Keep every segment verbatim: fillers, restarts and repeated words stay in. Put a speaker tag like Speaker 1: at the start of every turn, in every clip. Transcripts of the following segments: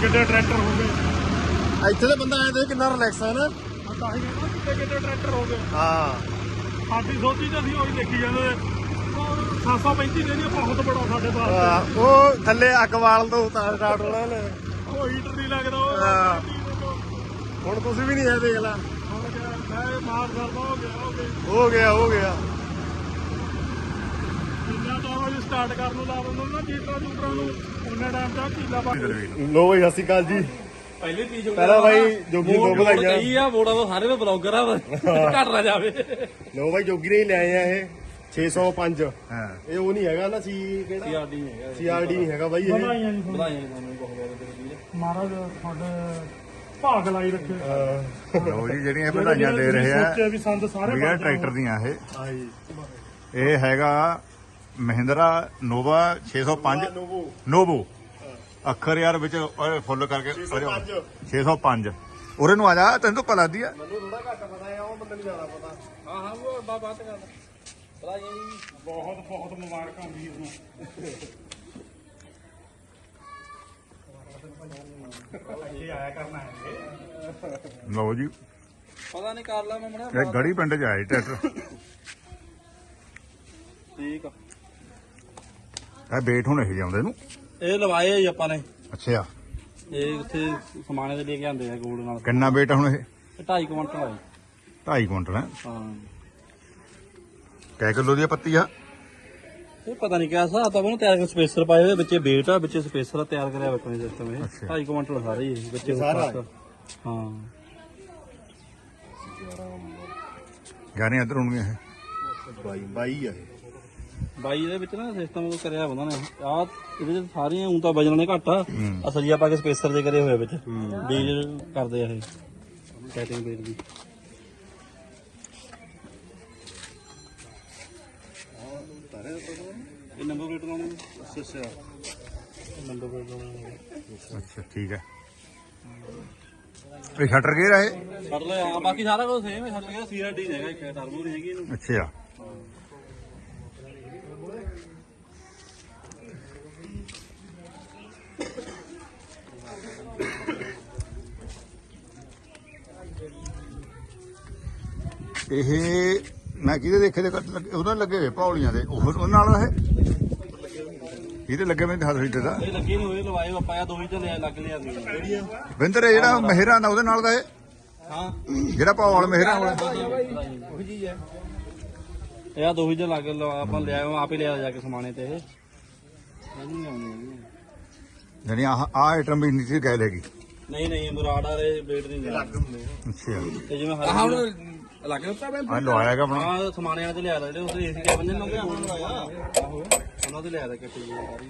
Speaker 1: ਕਿੱਡੇ ਟਰੈਕਟਰ ਹੋ ਗਏ
Speaker 2: ਇੱਥੇ ਦੇ ਬੰਦਾ ਐਂ ਦੇਖ ਕਿੰਨਾ ਰਿਲੈਕਸ ਹੈ ਨਾ।
Speaker 1: ਤਾਂ ਹੀ ਕਹਿੰਦਾ ਕਿੱਡੇ ਕਿੱਡੇ ਟਰੈਕਟਰ ਹੋ ਗਏ।
Speaker 2: ਹਾਂ
Speaker 1: ਸਾਡੀ ਸੋਚੀ ਤਾਂ ਅਸੀਂ ਉਹੀ ਦੇਖੀ ਜਾਂਦੇ ਸੱਤ ਸੌ ਪੈਂਤੀ ਦੇ ਬਹੁਤ ਬੜਾ ਸਾਡੇ ਪਾਸ।
Speaker 2: ਉਹ ਥੱਲੇ ਅੱਗ ਵਾਲ ਦੋ ਤਾਂ ਸਟਾਰਟ ਹੋਣਾ ਲੈ।
Speaker 1: ਉਹ ਹੀਟਰ ਨਹੀਂ ਲੱਗਦਾ ਉਹ।
Speaker 2: ਹੁਣ ਤੁਸੀਂ ਵੀ ਨਹੀਂ ਹੈ ਦੇਖ ਲਾ।
Speaker 1: ਮੈਂ ਮਾਰ ਕਰਦਾ ਹੋ ਗਿਆ ਹੋ ਗਿਆ
Speaker 2: ਹੋ ਗਿਆ ਹੋ ਗਿਆ।
Speaker 1: ਕਿੰਨਾ ਟਾਈਮ ਅਜੇ ਸਟਾਰਟ ਕਰਨ ਨੂੰ ਲਾ ਦਿੰਦੇ ਨਾ ਜੀਟਰਾਂ ਜੂਟਰਾਂ ਨੂੰ ਉਹਨਾਂ ਟਾਈਮ ਤੱਕ ਕੀਲਾ ਪਾ
Speaker 2: ਲੋ ਬਈ ਸਤਿ ਸ਼੍ਰੀ ਅਕਾਲ ਜੀ।
Speaker 3: ਪਹਿਲੇ ਚੀਜ਼
Speaker 2: ਪਹਿਲਾਂ ਬਾਈ ਜੋਗੀ ਨੂੰ ਵਧਾਈਆਂ।
Speaker 3: ਕਹੀ ਆ ਬੋੜਾ ਤਾਂ ਸਾਰੇ ਬਲੌਗਰ ਆ ਘੱਟ ਨਾ ਜਾਵੇ।
Speaker 2: ਲੋ ਬਾਈ ਜੋਗੀ ਨੇ ਹੀ ਲੈ ਆਏ ਆ ਇਹ ਛੇ ਸੌ ਪੰਜ। ਹਾਂ ਇਹ ਉਹ ਨਹੀਂ ਹੈਗਾ ਨਾ ਸੀ ਕਿਹੜਾ
Speaker 3: ਸੀਆਰਡੀ ਨਹੀਂ ਹੈਗਾ।
Speaker 2: ਸੀਆਰਡੀ ਨਹੀਂ ਹੈਗਾ ਬਾਈ ਇਹ।
Speaker 1: ਵਧਾਈਆਂ ਜੀ
Speaker 3: ਵਧਾਈਆਂ ਤੁਹਾਨੂੰ ਬਹੁਤ ਬਹੁਤ।
Speaker 1: ਮਹਾਰਾਜ ਤੁਹਾਡੇ ਭਾਗ ਲਾਈ ਰੱਖੇ।
Speaker 4: ਲੋ ਜੀ ਜਿਹੜੀਆਂ ਵਧਾਈਆਂ ਦੇ ਰਹੇ ਆ
Speaker 1: ਸੋਚਿਆ ਵੀ ਸੰਦ ਸਾਰੇ
Speaker 4: ਵੀਰ ਟਰੈਕਟਰ ਦੀਆਂ ਇਹ
Speaker 2: ਹਾਂ ਜੀ
Speaker 4: ਇਹ ਹੈਗਾ ਮਹਿੰਦਰਾ ਨੋਵਾ ਛੇ ਸੌ ਪੰਜ
Speaker 2: ਨੋਵੋ
Speaker 4: ਨੋਵੋ ਅੱਖਰ ਯਾਰ ਵਿੱਚ ਫੁੱਲ ਕਰਕੇ
Speaker 2: ਛੇ ਸੌ ਪੰਜ।
Speaker 4: ਛੇ ਸੌ ਪੰਜ ਉਰੇ ਨੂੰ ਆ ਜਾ ਤੈਨੂੰ ਤਾਂ ਪਤਾ ਲੱਗਦੀ ਆ।
Speaker 2: ਮੈਨੂੰ ਥੋੜਾ ਘੱਟ ਪਤਾ ਹੈ ਉਹ ਬੰਦੇ ਨੂੰ ਜ਼ਿਆਦਾ ਪਤਾ।
Speaker 3: ਹਾਂ ਹਾਂ ਉਹ ਬਾ ਬਾਤ ਕਰ ਵਧਾਈਆਂ ਜੀ
Speaker 1: ਬਹੁਤ ਬਹੁਤ ਮੁਬਾਰਕਾਂ ਵੀਰ ਨੂੰ। ਇਹ ਆਇਆ ਕਰਨਾ ਹੈ
Speaker 4: ਲਓ ਜੀ
Speaker 3: ਪਤਾ ਨਹੀਂ ਕਰ ਲਾ ਮੈਂ ਮੜਾ
Speaker 4: ਇਹ ਗੜੀ ਪਿੰਡ ਚ ਆਏ ਟਰੈਕਟਰ।
Speaker 3: ਠੀਕ ਆ
Speaker 4: ਇਹ ਬੇਟ ਹੁਣ ਇਹ ਜਾਂਦੇ ਨੂੰ।
Speaker 3: ਇਹ ਲਵਾਏ ਆ ਜੀ ਆਪਾਂ ਨੇ।
Speaker 4: ਅੱਛਾ
Speaker 3: ਇਹ ਉੱਥੇ ਸਮਾਨੇ ਦੇ ਲੈ ਕੇ ਆਂਦੇ ਆ ਗੋਲਡ ਨਾਲ।
Speaker 4: ਕਿੰਨਾ ਬੇਟ ਹੁਣ ਇਹ
Speaker 3: ਇਹ ਢਾਈ ਕੁਇੰਟਲ ਆਈ।
Speaker 4: ਢਾਈ ਕੁਇੰਟਲ ਹੈ।
Speaker 3: ਹਾਂ
Speaker 4: ਕੈ ਕਿਲੋ ਦੀ ਆ ਪੱਤੀ ਆ।
Speaker 3: ਇਹ ਪਤਾ ਨਹੀਂ ਕਿਆ ਹਿਸਾਬ ਤਾਂ ਉਹਨੂੰ ਤਿਆਰ ਕਰ ਸਪੇਸਰ ਪਾਏ ਹੋਏ ਵਿੱਚੇ ਬੇਟ ਆ ਵਿੱਚੇ ਸਪੇਸਰ ਆ ਤਿਆਰ ਕਰਿਆ ਬੱਕਣੇ ਸਿਸਟਮ ਇਹ
Speaker 4: ਅੱਛਾ।
Speaker 3: ਢਾਈ ਕੁਇੰਟਲ ਸਾਰੇ ਹੀ ਵਿੱਚੇ
Speaker 2: ਸਾਰਾ?
Speaker 3: ਹਾਂ
Speaker 4: ਗਾਣੇ ਇੱਧਰ ਹੋਣਗੇ ਇਹ।
Speaker 2: ਬਾਈ ਬਾਈ ਆ
Speaker 3: ਬਾਈ ਇਹਦੇ ਵਿੱਚ ਨਾ ਸਿਸਟਮ ਉਹ ਕਰਿਆ ਉਹਨਾਂ ਨੇ ਆ ਇਹਦੇ ਚ ਸਾਰੀਆਂ ਊਂ ਤਾਂ ਵਜਣ ਨੇ ਘੱਟ ਆ ਅਸਲੀਆ ਪਾ ਕੇ ਸਪੇਸਰ ਦੇ ਕਰੇ ਹੋਏ ਵਿੱਚ ਬੀਜ ਕਰਦੇ ਆ ਇਹ ਕੈਟਿੰਗ ਬੀਜ ਦੀ। ਇਹ ਨੰਬਰ ਪਲੇਟ ਲਾਉਣੀ ਅੱਛਾ ਅੱਛਾ ਨੰਬਰ ਪਲੇਟ ਲਾਉਣੀ
Speaker 4: ਅੱਛਾ ਠੀਕ ਹੈ। ਇਹ ਸ਼ਟਰ ਗੇਅਰ ਆ ਇਹ।
Speaker 3: ਛੱਡ ਲਿਆ ਹਾਂ ਬਾਕੀ ਸਾਰਾ ਕੁਝ ਸੇਮ ਹੈ ਛੱਡ ਗਿਆ ਸੀਆਰਡੀ ਹੈਗਾ ਇੱਕ ਟਰਬੋ ਨਹੀਂ ਹੈਗੀ ਇਹਨੂੰ।
Speaker 4: ਅੱਛਾ ਇਹ ਮੈਂ ਕਿਹਦੇ ਦੇਖੇ ਦੇ ਕੱਟ ਲੱਗੇ ਉਹਨਾਂ ਲੱਗੇ ਹੋਏ ਪੌਲੀਆਂ ਦੇ ਉਹ ਉਹਨਾਂ ਨਾਲ ਇਹ ਇਹਦੇ ਲੱਗੇ ਮੈਂ ਹੱਥ ਹੀਟਰ ਦਾ।
Speaker 3: ਇਹ ਲੱਗੇ ਨਹੀਂ ਹੋਏ ਲਵਾਏ ਆਪਾਂ ਆ ਦੋ ਹੀ ਤੇ ਲਿਆ ਲੱਗ ਲਿਆ ਕਿਹੜੀ ਆ
Speaker 4: ਵਿੰਦਰ ਇਹ ਜਿਹੜਾ ਮਹਿਰਾ ਦਾ ਉਹਦੇ ਨਾਲ ਦਾ ਇਹ
Speaker 3: ਹਾਂ
Speaker 4: ਜਿਹੜਾ ਪੌਲ ਮਹਿਰਾ ਵਾਲਾ
Speaker 3: ਉਹੀ ਚੀਜ਼ ਹੈ। ਇਹ ਆ ਦੋ ਹੀ ਤੇ ਲੱਗ ਲਵਾ ਆਪਾਂ ਲਿਆ ਆਪੇ ਲਿਆ ਜਾ ਕੇ ਸਮਾਨੇ ਤੇ ਇਹ ਇਹਨੂੰ ਨਹੀਂ ਆਉਣੀ ਹੈਗੀ।
Speaker 4: ਜਾਨੀ ਆਹ ਆਹ ਆਈਟਮ ਵੀ ਨੀਚੇ ਗਏ ਲੈਗੀ।
Speaker 3: ਨਹੀਂ ਨਹੀਂ ਮੁਰਾਦ ਵਾਲੇ ਬੇਟ ਨਹੀਂ ਲੱਗ
Speaker 4: ਅੱਛਾ
Speaker 3: ਤੇ ਜਿਵੇਂ ਹਰ ਲੱਗ ਰਿਹਾ
Speaker 4: ਆ ਲਵਾਇਆ ਗਾ ਆਪਣਾ।
Speaker 3: ਹਾਂ ਸਮਾਨੇ ਵਾਲੇ ਤੇ ਲਿਆ ਜਿਹੜੇ ਉਹਦੇ ਏਸੀ ਕੈਬਨ ਨੇ ਲਾਉਂਦੇ ਉਹਨਾਂ ਲਵਾਇਆ ਆਹੋ ਉਹਨਾਂ ਤੇ ਲਿਆ ਦਾ ਕੱਟੀ ਜੀ ਸਾਰੀ।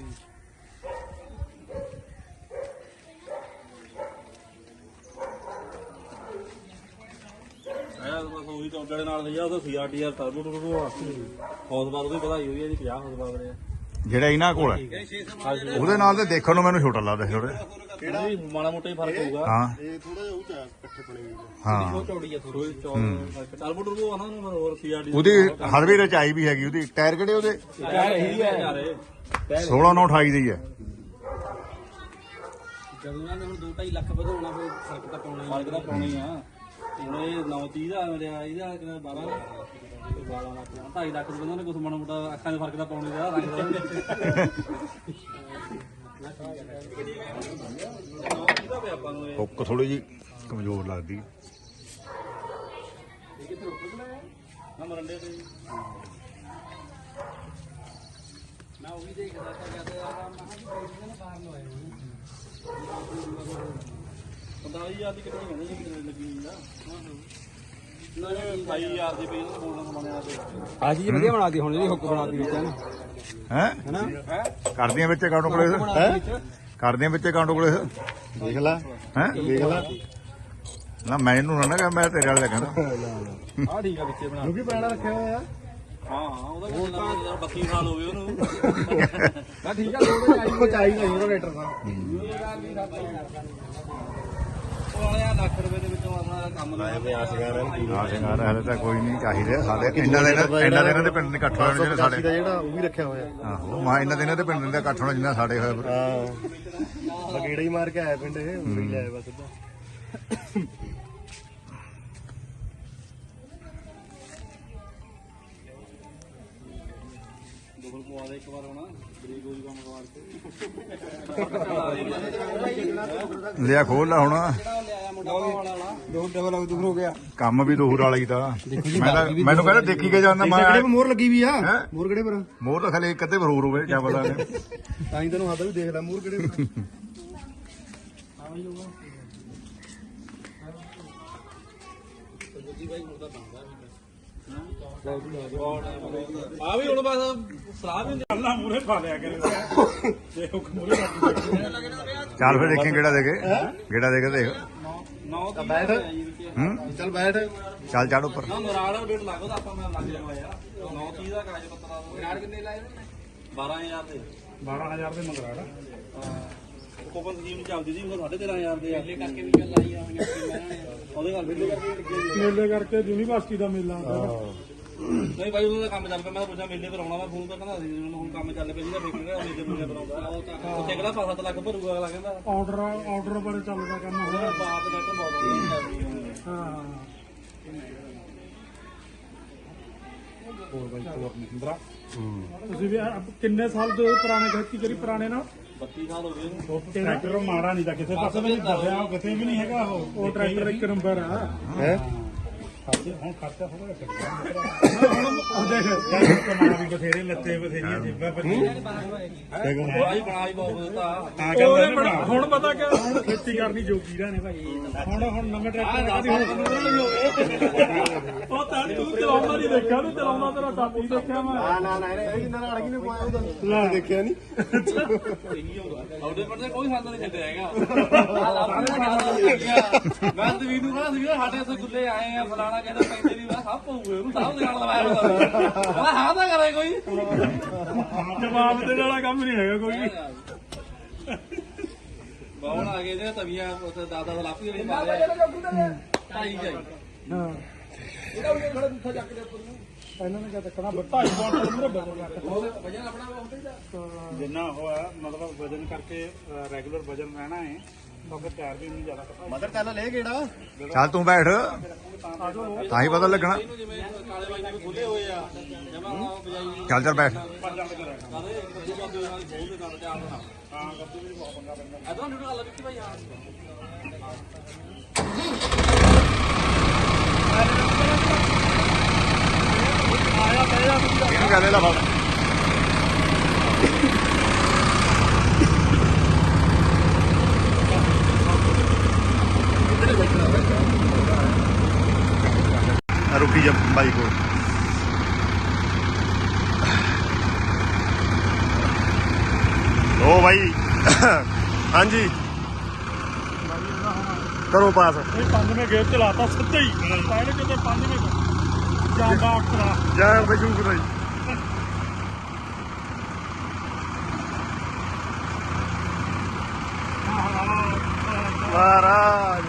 Speaker 3: ਆਇਆ ਬਸ ਉਹੀ ਟੌਂਟੜੇ ਨਾਲ ਲਿਆ ਉਹਦਾ ਸੀਆਰਟੀਆਰ ਟਰਬੋ ਟਰਬੋ ਵਾਸਤੇ ਹੌਸ ਬਾਰ ਉਹਦੀ ਵਧਾਈ ਹੋਈ ਹੈ ਜੀ ਪੰਜਾਹ ਹੌਸ ਬਾਰ ਦੇ
Speaker 4: ਜਿਹੜਾ ਇਹਨਾਂ ਕੋਲ ਹੈ ਉਹਦੇ ਨਾਲ ਤੇ ਦੇਖਣ ਨੂੰ ਮੈਨੂੰ ਛੋਟਾ ਲੱਗਦਾ ਥੋੜਾ।
Speaker 3: ਕਿਹੜਾ ਮਾੜਾ ਮੋਟਾ ਹੀ ਫਰਕ ਹੋਊਗਾ।
Speaker 4: ਹਾਂ
Speaker 2: ਇਹ ਥੋੜਾ ਜਿਹਾ ਉਹ ਚ ਇਕੱਠੇ ਬਣੇ ਹੋਏ
Speaker 4: ਹਾਂ
Speaker 3: ਚੌੜੀ ਆ ਥੋੜੀ ਚੌੜੀ ਟਰਬੋ ਟਰਬੋ ਆ ਨਾ ਹੋਰ ਸੀਆਰਡੀ
Speaker 4: ਉਹਦੀ ਹਰ ਵੀ ਰਚਾਈ ਵੀ ਹੈਗੀ ਉਹਦੀ ਟਾਇਰ ਕਿਹੜੇ ਉਹਦੇ
Speaker 3: ਯਾਰ ਇਹੀ ਹੈ ਯਾਰ
Speaker 4: ਸੋਲਾਂ ਨੌ ਅਠਾਈ ਦੀ ਹੈ।
Speaker 3: ਜਦੋਂ ਇਹਨਾਂ ਨੇ ਹੁਣ ਦੋ ਢਾਈ ਲੱਖ ਵਧਾਉਣਾ ਫਿਰ ਫਰਕ ਤਾਂ ਪਾਉਣਾ ਹੀ ਫਰਕ ਤਾਂ ਪਾਉਣਾ ਹੀ ਆ ਹੁਣ ਇਹ ਨੌ ਤੀਹ ਦਾ ਮਿਲਿਆ ਇਹਦਾ ਕਿੰਨਾ ਬਾਰਾਂ ਦਾ ਬਾਰਾਂ ਲੱਖ ਢਾਈ ਲੱਖ ਦੇ ਬੰਦੇ ਨੇ ਕੁਛ ਮਾੜਾ ਮੋਟਾ ਅੱਖਾਂ ਦੇ ਫਰਕ ਤਾਂ ਪਾਉਣੇ ਦਾ ਰੰਗ ਦਾ ਆਪਾਂ ਨੂੰ ਇਹ
Speaker 4: ਹੁੱਕ ਥੋੜੀ ਜੀ ਕਮਜ਼ੋਰ ਲੱਗਦੀ।
Speaker 3: ਨਾ ਮਰੰਡੇ ਤੇ ਮੈਂ ਉਹ ਵੀ ਦੇਖਦਾ ਤਾਂ ਕਹਿੰਦਾ ਯਾਰ ਮੈਂ ਨਾ ਬਾਹਰ ਨੂੰ ਆਇਆ ਪੰਤਾਲੀ ਹਜ਼ਾਰ ਦੀ ਕਿੰਨੀ ਕਹਿੰਦੇ ਜੀ ਲੱਗੀ ਨਾ ਨਹੀਂ ਅਠਾਈ ਹਜ਼ਾਰ ਦੀ ਪਈ ਉਹਨਾਂ ਬੋਲਣਾ ਸਮਾਨਿਆ ਤੇ
Speaker 5: ਆ ਚੀਜ਼ ਵਧੀਆ ਬਣਾਤੀ ਹੁਣ ਜਿਹੜੀ ਹੁੱਕ ਬਣਾਤੀ ਵਿੱਚ ਹੈ ਨਾ
Speaker 4: ਹੈ
Speaker 5: ਹੈਨਾ
Speaker 4: ਕਰਦੀਆਂ ਵਿੱਚ ਅਕਾਊਂਟ ਕੋਲੇ
Speaker 5: ਹੈ
Speaker 4: ਕਰਦੀਆਂ ਵਿੱਚ ਅਕਾਊਂਟ ਕੋਲੇ
Speaker 2: ਦੇਖ ਲੈ
Speaker 4: ਹੈ
Speaker 2: ਦੇਖ ਲੈ
Speaker 4: ਨਾ ਮੈਨੂੰ ਨਾ ਨਾ ਮੈਂ ਤੇਰੇ ਵਾਲੇ ਦਾ ਕਹਿੰਦਾ।
Speaker 5: ਆ ਠੀਕ ਆ ਵਿੱਚੇ ਬਣਾ
Speaker 2: ਕਿਉਂਕਿ ਪੈਣਾ ਰੱਖਿਆ ਹੋਇਆ
Speaker 3: ਹਾਂ ਹਾਂ ਉਹਦਾ ਵੀ ਜਿੰਨਾ ਬੱਤੀ ਸਾਲ ਹੋ ਗਏ ਉਹਨੂੰ
Speaker 5: ਨਾ ਠੀਕ ਆ ਥੋੜੇ ਆਈ
Speaker 2: ਕੁਝ ਚਾਹੀਦਾ ਹੀ ਰੇਟਰ ਦਾ।
Speaker 3: ਉਹ ਵਾਲਿਆ ਲੱਖ ਰੁਪਏ ਦੇ ਵਿੱਚੋਂ ਆਪਣਾ ਕੰਮ ਲਾਇਆ
Speaker 2: ਪਿਆ ਸ਼ਿੰਗਾਰ
Speaker 4: ਹਾਂ ਸ਼ਿੰਗਾਰ ਹਲੇ ਤਾਂ ਕੋਈ ਨਹੀਂ ਚਾਹੀਦੇ ਸਾਡੇ ਇੰਨਾ ਦਿਨ ਇੰਨਾ ਦਿਨਾਂ ਦੇ ਪਿੰਡ ਦੇ ਇਕੱਠ ਹੋਣੇ ਜਿਹੜੇ ਸਾਡੇ
Speaker 2: ਦਾ ਜਿਹੜਾ ਉਹ ਵੀ ਰੱਖਿਆ ਹੋਇਆ।
Speaker 4: ਆਹੋ ਮਾ ਇੰਨਾ ਦਿਨਾਂ ਦੇ ਪਿੰਡ ਦੇ ਇਕੱਠ ਹੋਣਾ ਜਿੰਨਾ ਸਾਡੇ ਹੋਇਆ।
Speaker 2: ਹਾਂ ਬਗੇੜਾ ਹੀ ਮਾਰ ਕੇ ਆਇਆ ਪਿੰਡ ਇਹ ਉਰੇ ਹੀ ਲਿਆਇਆ ਬਸ ਸਿੱਧਾ
Speaker 3: ਦੋਗਲ ਪਵਾ ਦੇ ਇੱਕ ਵਾਰ ਹੋਣਾ ਬਰੀਕ ਹੋ ਜੂਗਾ ਮਗਵਾਰ ਤੇ
Speaker 4: ਲਿਆ ਖੋਲ ਲਾ ਹੁਣ
Speaker 3: ਜਿਹੜਾ ਲਿਆਇਆ ਮੁੰਡਾ ਵਾਲਾ ਵਾਲਾ
Speaker 5: ਦੋ ਡਬਲ ਦੂਰ ਹੋ ਗਿਆ
Speaker 4: ਕੰਮ ਵੀ ਦੋਹਰ ਵਾਲਾ ਹੀ ਤਾਂ ਮੈਂ ਤਾਂ ਮੈਨੂੰ ਕਹਿੰਦਾ ਦੇਖੀ ਕੇ ਜਾਂਦਾ ਮੈਂ
Speaker 2: ਕਿਹੜੇ ਮੋਹਰ ਲੱਗੀ ਵੀ ਆ
Speaker 4: ਹੈਂ?
Speaker 2: ਮੋਹਰ ਕਿਹੜੇ ਪਰ
Speaker 4: ਮੋਰ ਤਾਂ ਖਲੇ ਇੱਕ ਅੱਧੇ ਪਰ ਹੋਰ ਹੋਵੇ ਕਿਆ ਪਤਾ ਨੇ
Speaker 2: ਤਾਂ ਹੀ ਤੈਨੂੰ ਹੱਦ ਵੀ ਦੇਖ ਲੈ ਮੋਹਰ ਕਿਹੜੇ ਪਰ
Speaker 3: ਆ ਵੀ ਹੁਣ ਬਸ ਸਲਾਹ ਵੀ
Speaker 1: ਅੱਲਾ ਮੂਰੇ ਪਾ ਲਿਆ ਕਰੇ ਜੇ ਉਹ ਮੂਰੇ ਪਾ
Speaker 4: ਚੱਲ ਫਿਰ ਦੇਖੀ ਕਿਹੜਾ ਦੇ ਕੇ ਕਿਹੜਾ ਦੇ ਕੇ ਦੇਖ
Speaker 3: ਨੌ ਤਾਂ
Speaker 2: ਬੈਠ
Speaker 4: ਹੂੰ
Speaker 2: ਚੱਲ ਬੈਠ
Speaker 4: ਚੱਲ ਚੜ ਉੱਪਰ
Speaker 3: ਨਾ ਨਰਾੜਾ ਡੇਟ ਲੱਗਦਾ ਆਪਾਂ ਮੈਂ ਲੱਗ ਜਾਵਾ ਯਾਰ ਨੌ ਤੀਹ ਦਾ ਕਾਗਜ਼ ਪੱਤਰ ਆ ਨਰਾੜ ਕਿੰਨੇ ਲਾਏ ਬਾਰਾਂ ਹਜ਼ਾਰ ਦੇ
Speaker 1: ਬਾਰਾਂ ਹਜ਼ਾਰ ਦੇ ਮੰਗਰਾੜਾ
Speaker 3: ਕੋਪਨ ਸਕੀਮ ਚੱਲਦੀ ਸੀ ਉਹ ਸਾਢੇ ਤੇਰਾਂ ਹਜ਼ਾਰ ਦੇ ਅੱਲੇ ਕਰਕੇ ਵੀ ਚੱਲ ਆਈ ਆ ਉਹਦੇ ਨਾਲ ਬਿੱਲੇ ਕਰਕੇ ਲੱਗੇ
Speaker 1: ਮੇਲੇ ਕਰਕੇ ਯੂਨੀਵਰਸਿਟੀ ਦਾ ਮੇਲਾ ਹੁੰਦਾ
Speaker 3: ਨਹੀਂ ਭਾਈ ਉਹਦਾ ਕੰਮ ਚੱਲ ਪਿਆ ਮੈਂ ਪੁੱਛਿਆ ਮੇਲੇ ਪਰ ਆਉਣਾ ਮੈਂ ਫੋਨ ਤਾਂ ਕਹਿੰਦਾ ਸੀ ਮੈਨੂੰ ਹੁਣ ਕੰਮ ਚੱਲ ਪਿਆ ਸੀਗਾ ਫੇਰ ਕਿਹੜਾ ਮੇਲੇ ਮੇਲੇ ਪਰ ਆਉਂਦਾ ਉੱਥੇ ਕਿਹੜਾ ਪੰਜ ਸੱਤ ਲੱਖ ਭਰੂਗਾ ਅਗਲਾ ਕਹਿੰਦਾ
Speaker 1: ਆਰਡਰ ਆਰਡਰ ਬਾਰੇ ਚੱਲਦਾ ਕੰਮ
Speaker 3: ਉਹਦਾ
Speaker 1: ਹੁਣ
Speaker 3: ਬਾਤ ਨੈਟ ਬਹੁਤ ਵਧੀਆ ਚੱਲਦੀ ਹੈ
Speaker 1: ਹਾਂ ਹੋਰ ਬਾਈ ਹੋਰ ਮਹਿੰਦਰਾ ਤੁਸੀਂ ਵੀ ਆਹ ਕਿੰਨੇ ਸਾਲ ਦੇ ਪੁਰਾਣੇ ਖੇਤੀ ਕਰੀ ਪੁਰਾਣੇ ਨਾਲ
Speaker 3: ਬੱਤੀ ਸਾਲ ਹੋ ਗਏ
Speaker 1: ਟਰੈਕਟਰ ਮਾੜਾ ਨਹੀਂ ਤਾਂ ਕਿਸੇ ਪਾਸੇ ਵੀ ਨਹੀਂ ਦੱਸਿਆ ਕਿਤੇ ਵੀ ਨਹੀਂ ਹੈਗਾ ਉਹ ਉਹ ਟਰੈਕਟਰ ਇੱਕ ਨੰਬਰ ਆ
Speaker 2: ਹੈ
Speaker 1: ਖਰਚੇ ਹੁਣ ਖਰਚਾ ਥੋੜਾ ਘੱਟ ਹੁਣ ਉਹ ਦੇਖ ਯਾਰ ਕਮਾਣਾ ਵੀ ਬਥੇਰੇ ਲੱਤੇ ਬਥੇਰੀਆਂ ਜੇਬਾਂ ਬੱਚੀ
Speaker 3: ਉਹ ਆਈ ਬਣਾਈ ਬਹੁਤ ਦਿੱਤਾ
Speaker 1: ਹਾਂ ਕਹਿੰਦਾ ਹੁਣ ਪਤਾ ਕਿ ਹੁਣ ਖੇਤੀ ਕਰਨੀ ਜੋਗੀ ਰਹੇ ਨੇ ਭਾਈ ਹੁਣ ਹੁਣ ਨਵੇਂ ਟਰੈਕਟਰ ਆ ਗਏ ਉਹ ਤਾਂ ਤੂੰ ਚਲਾਉਂਦਾ ਨਹੀਂ ਦੇਖਿਆ ਤੇ ਚਲਾਉਂਦਾ ਤੇਰਾ ਸਾਥੀ ਦੇਖਿਆ ਮੈਂ
Speaker 2: ਨਾ ਨਾ ਨਾ ਇਹ ਕਿੰਨਾ ਨਾਲ ਕਿਨੇ ਪਾਇਆ ਉਹਦਾ ਲੈ ਦੇਖਿਆ ਨਹੀਂ
Speaker 3: ਉਹਦੇ ਪਰ ਕੋਈ ਹੱਲ ਨਹੀਂ ਛੱਡਿਆ ਹੈਗਾ ਮੈਂ ਤੇ ਵੀਰੂ ਕਹਿੰਦਾ ਸੀ ਸਾਡੇ ਇੱਥੇ ਗੁੱਲੇ ਆਏ ਆ ਫਲਾਣਾ ਕਹਿੰਦਾ ਪੈਂਦੇ ਨਹੀਂ ਮੈਂ ਸਭ ਪਊਗੇ ਉਹਨੂੰ ਸਭ ਦੇ ਨਾਲ ਲਵਾਇਆ ਹੁੰਦਾ ਕਹਿੰਦਾ ਹਾਂ ਤਾਂ ਕਰੇ ਕੋਈ
Speaker 1: ਜਵਾਬ ਦੇਣ ਵਾਲਾ ਕੰਮ ਨਹੀਂ ਹੈਗਾ ਕੋਈ
Speaker 3: ਬਾਹਣ ਆ ਗਏ ਜੇ ਤਵੀਆਂ ਉੱਥੇ ਦਾਦਾ ਦਾ ਲਾਪੀ ਵਾਲੀ ਮਾਰਿਆ ਢਾਈ ਜਾਈ
Speaker 1: ਹਾਂ ਇਹਨਾਂ ਨੇ ਕਿਹਾ ਤੱਕਣਾ ਢਾਈ ਕੁਆਂਟਲ ਮੇਰੇ ਬਦਲ ਗਿਆ
Speaker 3: ਵਜਨ ਆਪਣਾ ਹੁੰਦਾ ਹੀ ਦਾ
Speaker 1: ਜਿੰਨਾ ਹੋਇਆ ਮਤਲਬ ਵਜਨ ਕਰਕੇ ਰੈਗੂਲਰ ਵਜਨ ਰਹਿਣਾ ਹੈ ਤਾਂ ਫਿਰ ਟਾਇਰ ਵੀ ਨਹੀਂ ਜ਼ਿਆਦਾ ਘਟਾ
Speaker 2: ਮਦਰ ਚੱਲ ਲੈ ਕਿਹੜਾ
Speaker 4: ਚੱਲ ਤੂੰ ਬੈਠ
Speaker 1: ਆਜੋ
Speaker 4: ਤਾਂ ਹੀ ਪਤਾ ਲੱਗਣਾ
Speaker 3: ਇਹਨੂੰ ਜਿਵੇਂ ਕਾਲੇ ਬਾਈ ਨੇ ਖੁੱਲੇ ਹੋਏ ਆ ਜਮਾ ਬਜਾਈ
Speaker 4: ਚੱਲ ਚੱਲ ਬੈਠ
Speaker 3: ਕਾਦੇ ਇੱਕ ਦੂਜੇ ਬੰਦੇ ਨਾਲ ਖੋਲ ਦੇ ਨਾਲ ਤੇ ਆਪ ਨਾਲ
Speaker 1: ਹਾਂ ਗੱਡੀ ਵੀ ਬਹੁਤ ਪੰਗਾ ਪੈਂਦਾ
Speaker 3: ਇਦਾਂ ਨਿਊਟਰਲ ਗੱਲ ਵਿੱਕੀ ਭਾਈ ਹਾਂ
Speaker 1: ਆਇਆ ਪਿਆ
Speaker 4: ਇਹਨੂੰ ਕਹਦੇ ਲਾ ਫੜ रुकी जब भाई को ओ भाई हाँ जी करो पास
Speaker 1: ਇਹ ਪੰਜਵੇਂ ਗੇਅਰ ਚ ਲਾਤਾ ਸਿੱਧਾ ਹੀ ਪਹਿਲੇ ਕਿਤੇ ਪੰਜਵੇਂ ਜਾਂਦਾ ਅਕਸਰਾ
Speaker 4: जय बजूक भाई महाराज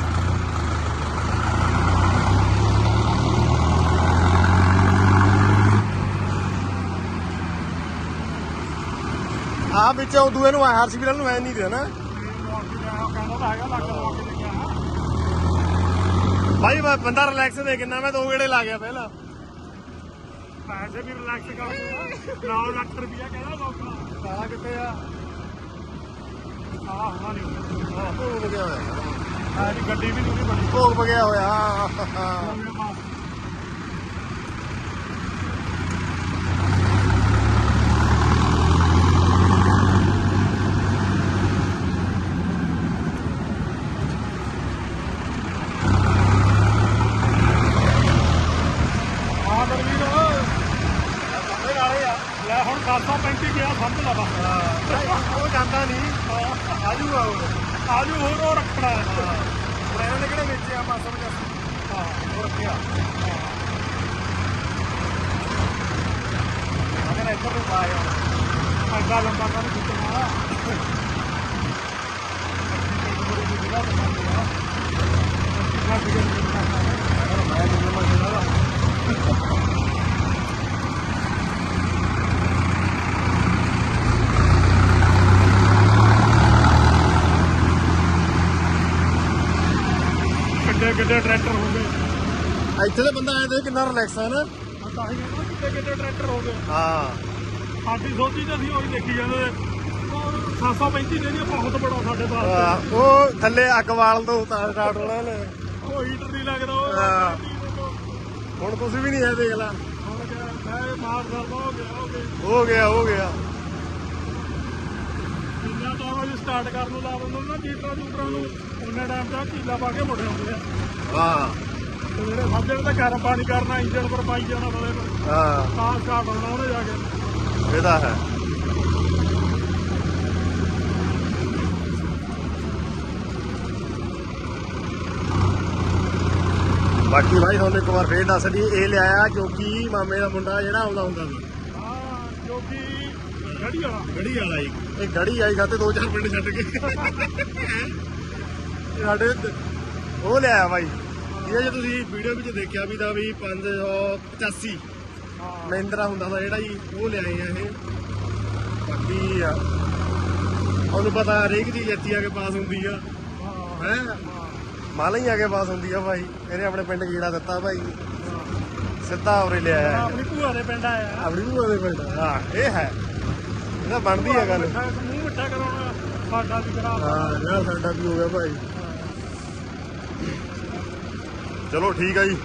Speaker 2: ਆ ਵਿੱਚ ਉਹ ਦੂਏ ਨੂੰ ਆਰ ਸੀ ਵੀ ਨੂੰ ਐ ਨਹੀਂ ਦੇ ਨਾ
Speaker 1: ਕਹਿੰਦਾ ਤਾਂ ਹੈਗਾ ਲੱਗ ਲਵਾ ਕੇ ਦੇਖਿਆ
Speaker 2: ਭਾਈ ਮੈਂ ਬੰਦਾ ਰਿਲੈਕਸ ਦੇ ਕਿੰਨਾ ਮੈਂ ਦੋ ਗੇੜੇ ਲਾ ਗਿਆ ਪਹਿਲਾਂ
Speaker 1: ਪੈਸੇ ਵੀ ਰਿਲੈਕਸ ਕਰ ਨੌ ਲੱਖ ਰੁਪਇਆ ਕਹਿੰਦਾ ਲੋਕਾਂ
Speaker 2: ਆ ਕਿੱਥੇ ਆ
Speaker 1: ਆ ਹੋਣਾ ਨਹੀਂ
Speaker 2: ਭੋਗ ਗਿਆ ਹੋਇਆ
Speaker 1: ਆ ਜੀ ਗੱਡੀ ਵੀ ਨਹੀਂ ਬਣੀ
Speaker 2: ਭੋਗ ਗਿਆ ਹੋਇਆ
Speaker 1: ਲੈ ਹੁਣ ਖਾਸਾ ਪੈਂਤੀ ਗਿਆ ਸਮਝ ਲਾ ਬਸ
Speaker 2: ਉਹ ਜਾਂਦਾ ਨਹੀਂ ਆਜੂਗਾ ਉਹ
Speaker 1: ਆਜੂ ਹੋਰ ਉਹ ਰੱਖਣਾ ਹੈ
Speaker 2: ਇਹਨਾਂ ਨੇ ਕਿਹੜੇ ਵੇਚੇ ਆ ਮਾਸਾ ਵਜਾ
Speaker 1: ਹਾਂ
Speaker 2: ਉਹ ਰੱਖਿਆ ਅਗਰ ਇੱਧਰ ਨੂੰ ਪਾਇਆ
Speaker 1: ਐਡਾ ਲੰਬਾ ਕੰਮ ਕਿਤਨਾ ਕਿੱਡੇ ਟਰੈਕਟਰ ਹੋ ਗਏ
Speaker 2: ਇੱਥੇ ਦੇ ਬੰਦਾ ਆਏ ਤੇ ਕਿੰਨਾ ਰਿਲੈਕਸ ਹੈ ਨਾ।
Speaker 1: ਆ ਤਾਂ ਹੀ ਕਹਿੰਦਾ ਕਿੱਡੇ ਕਿੱਡੇ ਟਰੈਕਟਰ ਹੋ ਗਏ।
Speaker 2: ਹਾਂ
Speaker 1: ਸਾਡੀ ਸੋਚੀ ਤਾਂ ਅਸੀਂ ਉਹੀ ਦੇਖੀ ਜਾਂਦੇ ਸੱਤ ਸੌ ਪੈਂਤੀ ਦੇ ਬਹੁਤ ਬੜਾ ਸਾਡੇ ਪਾਸ
Speaker 2: ਆਹ, ਉਹ ਥੱਲੇ ਅੱਗ ਵਾਲ ਤੋਂ ਉਤਾਰ ਸਟਾਰਟ ਹੋਣਾ ਨੇ।
Speaker 1: ਉਹ ਹੀਟਰ ਨਹੀਂ ਲੱਗਦਾ ਉਹ
Speaker 2: ਹਾਂ। ਹੁਣ ਕੁਝ ਵੀ ਨਹੀਂ ਹੈ ਦੇਖ ਲਾ।
Speaker 1: ਹੁਣ ਕਿਆ, ਮੈਂ ਮਾਰ ਕਰਦਾ ਹੋ ਗਿਆ ਹੋ ਗਿਆ
Speaker 2: ਹੋ ਗਿਆ ਹੋ ਗਿਆ।
Speaker 1: ਜਿੰਨਾ ਟਾਈਮ ਅਸੀਂ ਸਟਾਰਟ ਕਰਨ ਨੂੰ ਲਾ ਦਿੰਦੇ ਨਾ ਜੀਟਰਾਂ ਜੂਟਰਾਂ ਨੂੰ ਉਹਨਾਂ ਟਾਈਮ ਤੇ ਕੀਲਾ ਪਾ ਕੇ ਮੁੜ ਆਉਂਦੇ ਆ
Speaker 2: ਹਾਂ
Speaker 1: ਤੇ ਜਿਹੜੇ ਸਾਜਣ ਤਾਂ ਗਰਮ ਪਾਣੀ ਕਰਨਾ ਇੰਜਣ ਪਰ ਪਾਈ ਜਾਣਾ ਥਲੇ ਨੂੰ
Speaker 2: ਹਾਂ
Speaker 1: ਤਾਂ ਸਟਾਰਟ ਹੋਣਾ ਉਹਨੇ ਜਾ ਕੇ।
Speaker 2: ਇਹ ਤਾਂ ਹੈ। ਬਾਕੀ ਭਾਈ ਤੁਹਾਨੂੰ ਇੱਕ ਵਾਰ ਫੇਰ ਦੱਸ ਦਈਏ ਇਹ ਲਿਆਇਆ ਕਿਉਂਕਿ ਮਾਮੇ ਦਾ ਮੁੰਡਾ ਜਿਹੜਾ ਆਉਂਦਾ ਹੁੰਦਾ ਸੀ।
Speaker 1: ਹਾਂ ਜੋ ਕਿ ਗੜੀ ਵਾਲਾ
Speaker 2: ਗੜੀ ਵਾਲਾ ਜੀ ਇਹ ਗੜੀ ਆਈ ਖਾਤੇ ਦੋ ਚਾਰ ਪਿੰਡ ਛੱਡ ਕੇ ਸਾਡੇ ਉਹ ਲਿਆਇਆ ਬਾਈ। ਇਹ ਜੇ ਤੁਸੀਂ ਵੀਡੀਓ ਵਿੱਚ ਦੇਖਿਆ ਵੀ ਤਾਂ ਵੀ ਪੰਜ ਸੌ ਪਚਾਸੀ ਮਹਿੰਦਰਾ ਹੁੰਦਾ ਦਾ ਜਿਹੜਾ ਜੀ ਉਹ ਲਿਆਏ ਆ ਇਹ। ਬਾਕੀ ਆ ਉਹਨੂੰ ਪਤਾ ਹਰੇਕ ਚੀਜ਼ ਇੱਥੇ ਆ ਕੇ ਪਾਸ ਹੁੰਦੀ ਆ ਹੈ ਮਾਲਾ ਹੀ ਆ ਕੇ ਪਾਸ ਹੁੰਦੀ ਆ ਭਾਈ। ਇਹਨੇ ਆਪਣੇ ਪਿੰਡ ਗੀੜਾ ਦਿੱਤਾ ਭਾਈ ਸਿੱਧਾ ਉਰੇ ਲਿਆਇਆ
Speaker 1: ਆਪਣੀ ਭੂਆ ਦੇ ਪਿੰਡ ਆਇਆ
Speaker 2: ਆਪਣੀ ਭੂਆ ਦੇ ਪਿੰਡ। ਹਾਂ ਇਹ ਹੈ ਇਹਦਾ ਬਣਦੀ ਆ ਗੱਲ।
Speaker 1: ਮੂੰਹ ਮਿੱਠਾ ਕਰਾਉਣਾ ਸਾਡਾ ਵੀ ਕਰਾ
Speaker 2: ਹਾਂ ਯਾਰ ਸਾਡਾ ਵੀ ਹੋ ਗਿਆ ਭਾਈ। ਚਲੋ ਠੀਕ ਆ ਜੀ।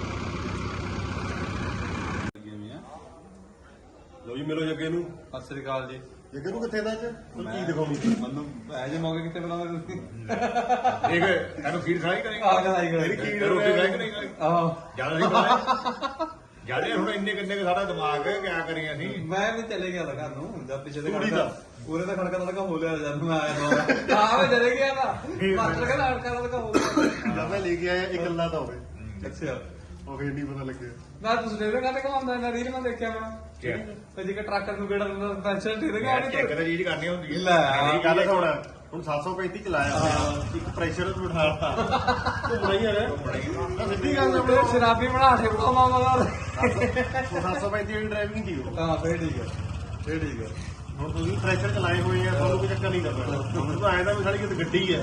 Speaker 2: ਲੋ ਜੀ ਮਿਲੋ ਜੱਗੇ ਨੂੰ।
Speaker 5: ਸਤਿ ਸ੍ਰੀ ਅਕਾਲ ਜੀ।
Speaker 2: ਜੱਗੇ ਨੂੰ ਕਿੱਥੇ ਦਾ ਅੱਜ ਕੋਈ ਚੀਜ਼ ਦਿਖਾਉਣੀ ਸੀ।
Speaker 5: ਮੈਨੂੰ ਐ ਜੇ ਮੌਕੇ ਕਿੱਥੇ ਬੁਲਾਉਂਦੇ ਤੁਸੀਂ?
Speaker 6: ਦੇਖ ਇਹਨੂੰ ਖੀਰ ਖਾਈ ਕਰੇਗਾ
Speaker 5: ਆ ਕੇ ਆਈ
Speaker 6: ਮੇਰੀ
Speaker 5: ਕਰੇ
Speaker 6: ਖੀਰ ਰੋਟੀ ਖਾਈ ਕਿ ਨਹੀਂ ਖਾਈ
Speaker 5: ਆਹੋ
Speaker 6: ਜਿਆਦਾ ਨਹੀਂ ਖਾਈ ਜਿਆਦਾ ਹੁਣ ਇੰਨੇ ਕਿੰਨੇ ਕੁ ਸਾਡਾ ਦਿਮਾਗ ਹੈ ਕਿਆ ਕਰੀਏ ਅਸੀਂ
Speaker 5: ਮੈਂ ਵੀ ਚਲੇ ਗਿਆ ਲਗਾ ਨੂੰ ਜਦ ਪਿੱਛੇ ਦੇ
Speaker 2: ਤੂੜੀ
Speaker 5: ਖੜਕਾ
Speaker 2: ਦਾ।
Speaker 5: ਪੂਰੇ ਦਾ ਖੜਕਾ ਲਗਾ ਹੋ ਲਿਆ ਜਦ ਮੈਂ ਆਇਆ ਤਾਂ ਹਾਂ ਮੈਂ ਚਲੇ ਗਿਆ ਨਾ ਮਾਸਟਰ ਕਹਿੰਦਾ ਖੜਕਾ ਲਗਾ ਹੋ ਗਿਆ।
Speaker 2: ਜਦ ਮੈਂ ਲੈ ਕੇ ਆਇਆ ਇੱਕ ਅੱਲਾ ਤਾਂ ਹੋਵੇ
Speaker 5: ਅੱਛਾ
Speaker 2: ਉਹ ਫੇਰ ਨਹੀਂ ਪਤਾ ਲੱਗਿਆ।
Speaker 5: ਮੈਂ ਤੁਸੀਂ ਦੇ ਕਹਿੰਦੇ ਕਮਾਉਂਦਾ ਨਾ ਰੀਲ ਮੈਂ ਦੇਖਿਆ ਮੈਂ
Speaker 6: ਕਿਆ?
Speaker 5: ਤੇ ਜਿਹੜਾ ਟਰੱਕਰ ਨੂੰ ਕਿਹੜਾ ਦਿੰਦਾ ਪੈਨਸ਼ਨ ਦੇ ਦੇਗਾ
Speaker 6: ਚੈੱਕ ਤਾਂ ਚੀਜ਼ ਕਰਨੀ ਹੁੰਦੀ ਹੈ
Speaker 5: ਲੈ
Speaker 2: ਇਹ ਗੱਲ ਸੁਣ ਹੁਣ ਸੱਤ ਸੌ ਪੈਂਤੀ ਚਲਾਇਆ ਹੋਇਆ ਇੱਕ ਪ੍ਰੈਸ਼ਰ ਨੂੰ ਬਿਠਾਤਾ ਘੁੰਮਣਾ ਹੀ ਆ ਨਾ ਸਿੱਧੀ ਗੱਲ
Speaker 5: ਤੇ ਸ਼ਰਾਬੀ ਬਣਾ ਕੇ ਬਤਾਵਾ ਮਗਰ
Speaker 2: ਉਹ ਸੱਤ ਸੌ ਪੈਂਤੀ ਵਾਲੀ ਡਰਾਈਵਿੰਗ ਦੀ ਉਹ
Speaker 5: ਹਾਂ ਫੇਰ ਠੀਕ ਹੈ ਫੇਰ ਠੀਕ ਹੈ।
Speaker 2: ਹੁਣ ਤੁਸੀਂ ਪ੍ਰੈਸ਼ਰ ਚਲਾਏ ਹੋਏ ਆ ਤੁਹਾਨੂੰ ਕੋਈ ਚੱਕਰ ਨਹੀਂ ਕਰਨਾ। ਤੁਹਾਨੂੰ ਤਾਂ ਆਇਆ ਤਾਂ ਵੀ ਸਾਡੀ ਕਿਤੇ ਗੱਡੀ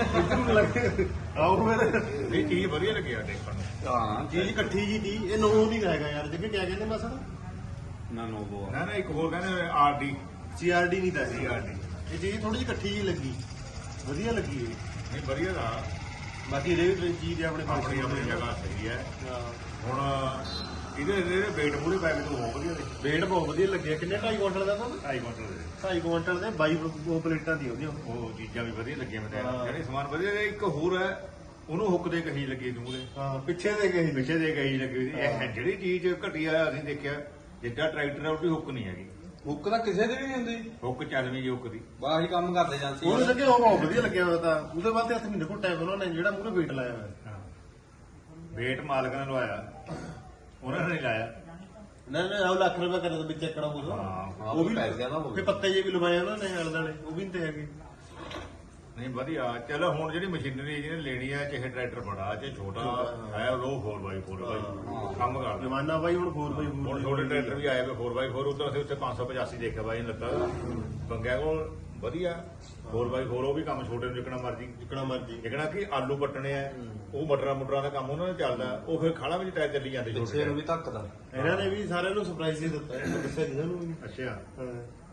Speaker 2: ਹੈ ਆਓ ਫਿਰ
Speaker 6: ਇਹ ਚੀਜ਼ ਵਧੀਆ ਲੱਗੀ ਆ ਦੇਖਣ ਨੂੰ।
Speaker 5: ਹਾਂ
Speaker 2: ਚੀਜ਼ ਇਕੱਠੀ ਜੀ ਦੀ ਇਹ ਨੋ ਨਹੀਂ ਹੈਗਾ ਯਾਰ ਜੱਗੇ ਕਿਆ ਕਹਿੰਦੇ ਮਸਲ
Speaker 5: ਨਾ ਨੋ ਬੋ
Speaker 6: ਨਾ ਨਾ ਇੱਕ ਹੋਰ ਕਹਿੰਦੇ ਆਰ ਡੀ
Speaker 2: ਸੀਆਰਡੀ ਨਹੀਂ ਤਾਂ ਇਹ
Speaker 6: ਸੀਆਰਡੀ
Speaker 2: ਇਹ ਚੀਜ਼ ਥੋੜੀ ਜਿਹੀ ਇਕੱਠੀ ਜੀ ਲੱਗੀ ਵਧੀਆ ਲੱਗੀ ਇਹ।
Speaker 6: ਨਹੀਂ ਵਧੀਆ ਦਾ
Speaker 2: ਬਾਕੀ ਰੇਟ ਚੀਜ਼ ਦੇ ਆਪਣੇ ਪਾਸ
Speaker 6: ਆਪਣੀ ਆਪਣੀ ਜਗ੍ਹਾ ਸਹੀ ਹੈ।
Speaker 2: ਹਾਂ
Speaker 6: ਹੁਣ ਇਹਦੇ ਇਹਦੇ weight ਪੂਰੇ ਪੈ ਕੇ ਤੋਂ ਬਹੁਤ ਵਧੀਆ ਨੇ
Speaker 2: ਵੇਟ ਬਹੁਤ ਵਧੀਆ ਲੱਗਿਆ। ਕਿੰਨੇ ਢਾਈ ਕੁਇੰਟਲ ਦਾ ਤਾਂ
Speaker 6: ਢਾਈ ਕੁਇੰਟਲ ਦੇ
Speaker 2: ਢਾਈ ਕੁਇੰਟਲ ਦੇ ਬਾਈ ਉਹ ਪਲੇਟਾਂ ਦੀ ਉਹਦੀਆਂ
Speaker 6: ਉਹ ਚੀਜ਼ਾਂ ਵੀ ਵਧੀਆ ਲੱਗੀਆਂ ਮੈਂ
Speaker 2: ਹਾਂ।
Speaker 6: ਤਾਂ ਜਿਹੜੇ ਸਮਾਨ ਵਧੀਆ ਨੇ। ਇੱਕ ਹੋਰ ਹੈ ਉਹਨੂੰ ਹੁੱਕ ਦੇ ਕਹੀ ਲੱਗੀ ਤੂੰ ਉਹਦੇ
Speaker 2: ਹਾਂ ਪਿੱਛੇ ਦੇ ਗਏ
Speaker 6: ਪਿੱਛੇ ਦੇ ਕਹੀ ਲੱਗੀ ਹੋਈ ਸੀ। ਇਹ ਜਿਹੜੀ ਚੀਜ਼ ਘਟੀਆ ਅਸੀਂ ਦੇਖਿਆ ਜਿੱਦਾਂ ਟਰੈਕਟਰ ਹੈ ਉਹਦੀ ਹੁੱਕ ਨਹੀਂ ਹੈਗੀ।
Speaker 5: ਹੁੱਕ ਤਾਂ ਕਿਸੇ ਦੀ ਵੀ ਨਹੀਂ ਹੁੰਦੀ
Speaker 6: ਹੁੱਕ ਚੱਲਵੀਂ ਜੀ ਹੁੱਕ ਦੀ
Speaker 5: ਬਾਹਰ ਹੀ ਕੰਮ ਕਰਦੇ ਜਾਂਦੀ
Speaker 2: ਉਹਨੂੰ ਲੱਗੇ ਉਹ ਬਹੁਤ ਵਧੀਆ ਲੱਗਿਆ ਹੋਇਆ ਤਾਂ ਉਹਦੇ ਬਾਅਦ ਤੇ ਹੱਥ ਮਹੀਨੇ ਘੁੱਟਿਆ ਉਹਨਾਂ ਨੇ ਜਿਹੜਾ ਮੂਹਰੇ ਵੇਟ ਲਾਇਆ ਹੋਇਆ
Speaker 6: ਵੇਟ ਮਾਲਕ ਨੇ ਲਵਾਇਆ ਉਹਨਾਂ ਨੇ ਨਹੀਂ ਲਾਇਆ।
Speaker 2: ਨਾ ਨਾ ਉਹ ਲੱਖ ਰੁਪਏ ਕਰੇ ਤਾਂ ਵਿੱਚ ਚੱਕੜਾ
Speaker 6: ਹਾਂ,
Speaker 2: ਬੋਲੋ ਉਹ ਵੀ
Speaker 5: ਪੈਸਿਆਂ ਦਾ ਹੋ
Speaker 2: ਫਿਰ ਪੱਤੇ ਜੇ ਵੀ ਲਵਾਏ ਉਹਨਾਂ ਨੇ ਆਲੇ ਦਾਲੇ ਉਹ ਵੀ ਨਹੀਂ ਤੇ ਹੈਗੇ।
Speaker 6: ਨਹੀਂ ਵਧੀਆ ਚਲੋ ਹੁਣ ਜਿਹੜੀ ਮਸ਼ੀਨਰੀ ਜਿਹਨੇ ਲੈਣੀ ਹੈ ਚਾਹੇ ਟਰੈਕਟਰ ਬੜਾ ਚਾਹੇ ਛੋਟਾ ਹੈ ਲੋ ਫੋਰ ਬਾਈ ਫੋਰ ਬਾਈ ਕੰਮ ਕਰਦਾ।
Speaker 2: ਜਮਾਨਾ ਬਾਈ ਹੁਣ ਫੋਰ ਬਾਈ
Speaker 6: ਹੁਣ ਛੋਟੇ ਟਰੈਕਟਰ ਵੀ ਆਏ ਵੇ ਫੋਰ ਬਾਈ ਫੋਰ ਉਧਰ ਅਸੀਂ ਉੱਥੇ ਪੰਜ ਸੌ ਪਚਾਸੀ ਦੇਖਿਆ ਬਾਈ ਨੇ ਲੱਗਾ ਬੰਗਿਆ ਕੋਲ ਵਧੀਆ ਫੋਰ ਬਾਈ ਫੋਰ ਉਹ ਵੀ ਕੰਮ ਛੋਟੇ ਨੂੰ ਜਿੱਕਣਾ ਮਰਜੀ
Speaker 2: ਜਿੱਕਣਾ ਮਰਜੀ
Speaker 6: ਜਿੱਕਣਾ ਕਿ ਆਲੂ ਪੱਟਣੇ ਆ ਉਹ ਮਟਰਾਂ ਮੁਟਰਾਂ ਦਾ ਕੰਮ ਉਹਨਾਂ ਨੇ ਚੱਲਦਾ ਉਹ ਫਿਰ ਖਾਣਾ ਵਿੱਚ ਟਾਇਰ ਚੱਲੀ ਜਾਂਦੇ
Speaker 5: ਪਿੱਛੇ ਨੂੰ ਵੀ ਧੱਕਦਾ
Speaker 2: ਇਹਨਾਂ ਨੇ ਵੀ ਸਾਰਿਆਂ ਨੂੰ ਸਰਪ੍ਰਾਈਜ਼ ਦੇ ਦਿੱਤਾ ਦੱਸਿਆ ਨਹੀਂ ਸਾਨੂੰ ਵੀ।
Speaker 6: ਅੱਛਾ
Speaker 2: ਹਾਂ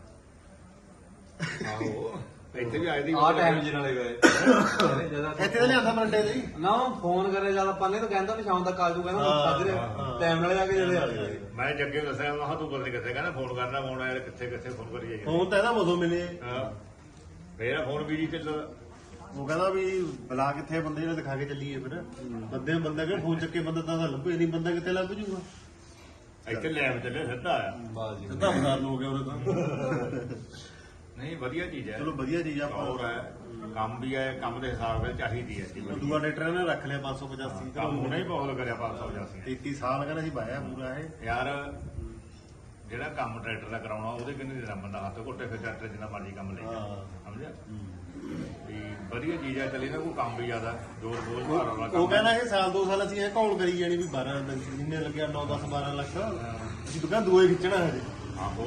Speaker 6: ਆਹੋ ਇੱਥੇ ਵੀ ਆਏ ਦੀ
Speaker 5: ਆ ਟਾਈਮ ਜੀ ਨਾਲੇ ਗਏ
Speaker 2: ਇੱਥੇ ਤਾਂ ਲਿਆਂਦਾ ਮੰਡੇ ਦੇ
Speaker 5: ਨਾ ਫੋਨ ਕਰੇ ਜਦ ਆਪਾਂ ਨੇ ਤਾਂ ਕਹਿੰਦਾ ਵੀ ਸ਼ਾਮ ਤੱਕ ਆ ਜੂ ਕਹਿੰਦਾ
Speaker 2: ਹਾਂ,
Speaker 5: ਸਾਜਰੇ
Speaker 2: ਹਾਂ।
Speaker 5: ਟਾਈਮ ਨਾਲ ਜਾ ਕੇ ਜਦੇ ਆ ਗਏ
Speaker 6: ਮੈਂ ਜੱਗੇ ਨੂੰ ਦੱਸਿਆ ਮੈਂ ਕਿਹਾ ਤੂੰ ਬਦਲ ਕਿੱਥੇ ਕਹਿੰਦਾ ਫੋਨ ਕਰਨਾ ਫੋਨ ਆਇਆ ਕਿੱਥੇ ਕਿੱਥੇ ਫੋਨ ਕਰੀ ਜਾਈਏ
Speaker 2: ਫੋਨ ਤਾਂ ਇਹਦਾ ਮਦੋਂ ਮਿਲੇ
Speaker 6: ਹਾਂ ਮੇਰਾ ਫੋਨ ਵੀ ਜੀ ਚੱਲ
Speaker 2: ਉਹ ਕਹਿੰਦਾ ਵੀ ਬੁਲਾ ਕਿੱਥੇ ਬੰਦੇ ਨੇ ਦਿਖਾ ਕੇ ਚੱਲੀਏ ਫਿਰ ਬੰਦੇ ਬੰਦਾ ਕਿ ਫੋਨ ਚੱਕੇ ਬੰਦਾ ਤਾਂ ਲੱਭੇ ਨਹੀਂ ਬੰਦਾ ਕਿੱਥੇ ਲੱਭ ਜੂਗਾ
Speaker 6: ਇੱਥੇ ਲੈਬ ਚੱਲੇ ਸਿੱਧਾ ਆਇਆ
Speaker 5: ਬਾਸ ਜੀ
Speaker 2: ਸਿੱਧਾ ਬਾਜ਼ਾਰ ਨੂੰ ਹੋ ਗਿਆ ਉਹਦੇ ਤਾਂ
Speaker 6: ਨਹੀਂ ਵਧੀਆ ਚੀਜ਼ ਹੈ
Speaker 2: ਚਲੋ ਵਧੀਆ ਚੀਜ਼ ਆ
Speaker 6: ਹੋਰ ਹੈ ਕੰਮ ਵੀ ਹੈ ਕੰਮ ਦੇ ਹਿਸਾਬ ਨਾਲ ਚਾਹੀਦੀ ਹੈ
Speaker 2: ਉਹ ਦੂਆ ਟਰੈਕਟਰ ਨੇ ਰੱਖ ਲਿਆ ਪੰਜ ਸੌ ਪਚਾਸੀ
Speaker 6: ਕੰਮ ਹੁਣੇ ਹੀ ਬਹੁਤ ਕਰਿਆ ਪੰਜ ਸੌ ਪਚਾਸੀ
Speaker 2: ਤੇਤੀ ਸਾਲ ਕਹਿੰਦਾ ਸੀ ਬਾਇਆ ਪੂਰਾ ਇਹ
Speaker 6: ਯਾਰ ਜਿਹੜਾ ਕੰਮ ਟਰੈਕਟਰ ਦਾ ਕਰਾਉਣਾ ਉਹਦੇ ਕਿੰਨੇ ਦੇਣਾ ਬੰਦਾ ਹੱਥ ਘੁੱਟੇ ਫਿਰ ਟਰੈਕਟਰ ਜਿੰਨਾ ਮਰਜ਼ੀ ਕੰਮ ਲੈ ਜਾ
Speaker 2: ਹਾਂ।
Speaker 6: ਸਮਝਿਆ ਵੀ ਵਧੀਆ ਚੀਜ਼ ਹੈ ਚੱਲੀ ਨਾ ਕੋਈ ਕੰਮ ਵੀ ਜ਼ਿਆਦਾ ਜ਼ੋਰ ਬੋਲ ਭਾਰ ਵਾਲਾ
Speaker 2: ਉਹ
Speaker 6: ਕੰਮ
Speaker 2: ਕਹਿੰਦਾ ਇਹ ਸਾਲ ਦੋ ਸਾਲ ਅਸੀਂ ਇਹ ਕੌਣ ਕਰੀ ਜਾਣੀ ਵੀ ਬਾਰਾਂ ਜਿੰਨੇ ਲੱਗਿਆ ਨੌ ਦਸ ਬਾਰਾਂ ਲੱਖ ਅਸੀਂ ਦੁਕਾਨ ਦੂਏ ਖਿੱਚਣਾ ਹਜੇ
Speaker 6: ਆਹੋ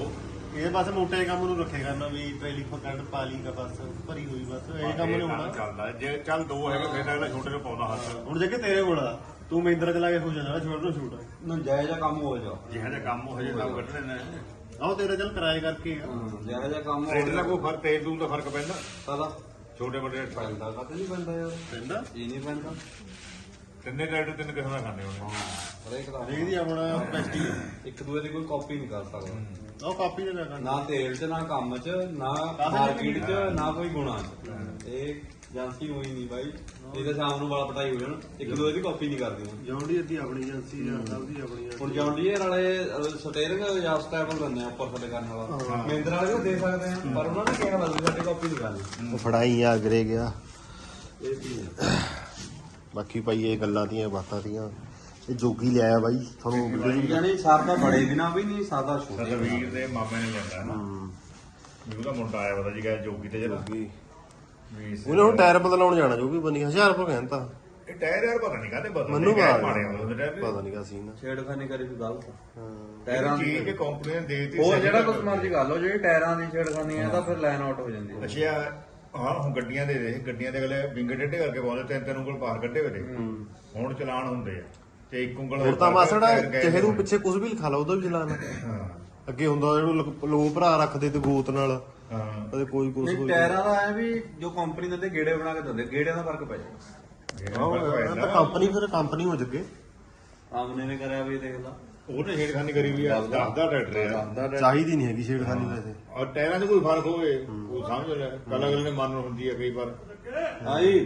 Speaker 2: ਇਹ ਬਸ ਮੋਟੇ ਕੰਮ ਨੂੰ ਰੱਖੇ ਕਰਨਾ ਵੀ ਟ੍ਰੇਲੀ ਫਕੜ ਪਾਲੀ ਦਾ ਬਸ ਭਰੀ ਹੋਈ ਬਸ ਇਹ ਕੰਮ ਨਹੀਂ ਹੋਣਾ।
Speaker 6: ਚੱਲਦਾ ਜੇ ਚੱਲ ਦੋ ਹੈਗੇ ਫਿਰ ਅਗਲਾ ਛੋਟੇ ਨੂੰ ਪਾਉਂਦਾ ਹੱਥ।
Speaker 2: ਹੁਣ ਜੇ ਕਿ ਤੇਰੇ ਕੋਲ ਆ ਤੂੰ ਮਹਿੰਦਰਾ ਚਲਾ ਕੇ ਹੋ ਜਾਣਾ ਛੋਟ ਨੂੰ ਛੂਟ
Speaker 5: ਨਾ ਜਾਇਜ਼ਾ ਕੰਮ ਹੋ ਜਾ
Speaker 6: ਜਿਹੜਾ ਜਿਹਾ ਕੰਮ ਹੋ ਜੇ ਤਾਂ ਕੱਢ ਲੈਣਾ।
Speaker 2: ਆਹ ਤੇਰਾ ਚੱਲ ਕਿਰਾਏ ਕਰਕੇ ਆ।
Speaker 5: ਜਾਇਜ਼ਾ ਕੰਮ ਹੋ
Speaker 6: ਰੇਟ ਦਾ ਕੋਈ ਫਰਕ ਤੇਲ ਤੂਲ ਦਾ ਫਰਕ ਪੈਂਦਾ
Speaker 5: ਸਾਲਾ
Speaker 6: ਛੋਟੇ ਵੱਡੇ ਰੇਟ ਪੈਂਦਾ।
Speaker 5: ਪੈਂਦਾ ਕਦੇ ਨਹੀਂ ਪੈਂਦਾ ਯਾਰ
Speaker 2: ਪੈਂਦਾ
Speaker 5: ਇਹ ਨਹੀਂ ਪੈਂਦਾ
Speaker 6: ਤਿੰਨੇ ਰੇਟ ਤਿੰਨ ਕਿਸਮ ਦਾ ਖਾਂਦੇ ਹੋਣੇ।
Speaker 5: ਹਰੇਕ ਦਾ
Speaker 2: ਦੇਖਦੀ ਆਪਣਾ ਕਪੈਸਿਟੀ
Speaker 5: ਇੱਕ ਦੂਏ ਦੀ ਕੋਈ ਕਾਪੀ ਨਹੀਂ ਕਰ ਸਕਦਾ
Speaker 2: ਉਹ ਕਾਪੀ ਤੇ ਕਰਨਾ
Speaker 5: ਨਾ ਤੇਲ 'ਚ ਨਾ ਕੰਮ 'ਚ ਨਾ ਮਾਰਕੀਟ 'ਚ ਨਾ ਕੋਈ ਗੁਣਾ 'ਚ ਇਹ ਏਜੰਸੀ ਹੋਈ ਨਹੀਂ ਬਾਈ ਇਹ ਤਾਂ ਸ਼ਾਮ ਨੂੰ ਵਾਲਾ ਪਟਾਈ ਹੋ ਜਾਣ ਇੱਕ ਦੂਏ ਦੀ ਕਾਪੀ ਨਹੀਂ ਕਰਦੀ
Speaker 2: ਜੌਂਡੀ ਅੱਧੀ ਆਪਣੀ ਏਜੰਸੀ ਜਾਂ ਸਭ ਦੀ ਆਪਣੀ
Speaker 5: ਹੁਣ ਜੌਂਡੀਅਰ ਵਾਲੇ ਸਟੇਰਿੰਗ ਜਾਂ ਸਟੈਬਲ ਦਿੰਦੇ ਆ ਉੱਪਰ ਥੱਲੇ ਕਰਨ ਵਾਲਾ ਮਹਿੰਦਰਾ ਵਾਲੇ ਵੀ ਦੇ ਸਕਦੇ ਆ ਪਰ ਉਹਨਾਂ ਨੇ ਕਿਹਾ ਬਸ ਸਾਡੀ ਕਾਪੀ ਨਹੀਂ ਕਰਨੀ
Speaker 2: ਉਹ ਫੜਾਈ ਆ ਅਗਰੇ ਗਿਆ।
Speaker 5: ਇਹ ਵੀ
Speaker 2: ਬਾਕੀ ਭਾਈ ਇਹ ਗੱਲਾਂ ਦੀਆਂ ਬਾਤਾਂ ਦੀਆਂ ਇਹ ਜੋਗੀ ਲਿਆਇਆ ਬਾਈ ਤੁਹਾਨੂੰ ਵੀਡੀਓ ਵੀ
Speaker 5: ਯਾਨੀ ਸਰਦਾ ਬੜੇ ਦਿਨਾਂ ਵੀ ਨਹੀਂ ਸਾਦਾ ਛੋਟੇ
Speaker 6: ਸਰਵੀਰ ਦੇ ਮਾਮੇ ਨੇ ਜਾਂਦਾ ਨਾ ਵੀ ਉਹਦਾ ਮੁੰਡਾ ਆਇਆ ਪਤਾ ਜੀ ਕਿ ਜੋਗੀ ਤੇ ਜਿਹੜਾ
Speaker 2: ਜੋਗੀ
Speaker 6: ਵੀ ਇਸ-
Speaker 2: ਉਹਨੇ ਹੁਣ ਟਾਇਰ ਬਦਲਾਉਣ ਜਾਣਾ ਜੋ ਵੀ ਬਣੀ ਹਜ਼ਾਰ ਰੁਪਏ ਕਹਿੰਦਾ
Speaker 6: ਇਹ ਟਾਇਰ ਯਾਰ ਪਤਾ ਨਹੀਂ ਕਾਹਦੇ ਬਦਲ
Speaker 2: ਮੈਨੂੰ
Speaker 6: ਟਾਇਰ
Speaker 2: ਬਾਅਦ
Speaker 6: ਮਾੜੇ ਹੁੰਦੇ ਟਾਇਰ
Speaker 2: ਪਤਾ ਨਹੀਂ ਕਾ ਸੀਨ
Speaker 5: ਛੇੜਖਾਨੀ ਕਰੀ ਵੀ ਗਲਤ
Speaker 2: ਹਾਂ
Speaker 5: ਟਾਇਰਾਂ ਦੀ
Speaker 6: ਚੀਜ਼ ਕਿ ਕੰਪਨੀ ਨੇ ਦੇ ਦਿੱਤੀ
Speaker 5: ਹੋਰ ਜਿਹੜਾ ਕੁਝ ਮਰਜ਼ੀ ਕਰ ਲਓ ਜਿਹੜੀ ਟਾਇਰਾਂ ਦੀ ਛੇੜਖਾਨੀ ਹੈ ਤਾਂ ਫਿਰ ਲਾਈਨ ਆਊਟ ਹੋ ਜਾਂਦੀ ਹੈ
Speaker 6: ਅੱਛਾ ਹਾਂ ਹੁਣ ਗੱਡੀਆਂ ਦੇ ਦੇ ਗੱਡੀਆਂ ਦੇ ਅਗਲੇ ਵਿੰਗੇ ਟੇਢੇ ਕਰਕੇ ਪਾਉਂਦੇ ਤਿੰਨ ਤਿੰਨ ਉਂਗਲ ਬਾਹਰ ਕੱਢੇ ਹੋਏ ਨੇ। ਹੁਣ ਚਲਾਨ ਹੁੰਦੇ ਆ ਤੇ ਇੱਕ ਉਂਗਲ
Speaker 2: ਹੁਣ ਤਾਂ ਮਾਸੜਾ ਚਾਹੇ ਤੂੰ ਪਿੱਛੇ ਕੁਝ ਵੀ ਲਿਖਾ ਲਾ ਉਹਦਾ ਵੀ ਚਲਾਣਾ
Speaker 6: ਹਾਂ
Speaker 2: ਅੱਗੇ ਹੁੰਦਾ ਜਿਹਨੂੰ ਲੋ ਭਰਾ ਰੱਖਦੇ ਤੇ ਗੋਤ ਨਾਲ
Speaker 6: ਹਾਂ
Speaker 2: ਕਦੇ ਕੋਈ ਕੁਝ
Speaker 5: ਨਹੀਂ
Speaker 2: ਕੋਈ
Speaker 5: ਟਾਇਰਾਂ ਦਾ ਐ ਵੀ ਜੋ ਕੰਪਨੀ ਦਿੰਦੇ ਗੇੜੇ ਬਣਾ ਕੇ ਦਿੰਦੇ ਗੇੜਿਆਂ ਦਾ ਫਰਕ ਪੈ ਜਾਂਦਾ
Speaker 2: ਤਾਂ ਕੰਪਨੀ ਫਿਰ ਕੰਪਨੀ ਹੋ ਜੱਗੇ
Speaker 5: ਆਮਨੇ ਨੇ ਕਰਿਆ ਵੀ ਦੇਖ ਲਾ
Speaker 6: ਉਹਨੇ ਛੇੜਖਾਨੀ ਕਰੀ ਵੀ ਆ ਦੱਸਦਾ ਟਰੈਕਟਰ ਆ
Speaker 2: ਚਾਹੀਦੀ ਨਹੀਂ ਹੈਗੀ ਛੇੜਖਾਨੀ ਵੈਸੇ
Speaker 6: ਔਰ ਟਾਇਰਾਂ 'ਚ ਕੋਈ ਫਰਕ ਹੋਵੇ ਉਹ ਸਮਝ ਲੈ ਕੱਲ ਅਗਲੇ ਨੇ ਮਨ ਹੁੰਦੀ ਹੈ ਕਈ ਵਾਰ
Speaker 5: ਆਈ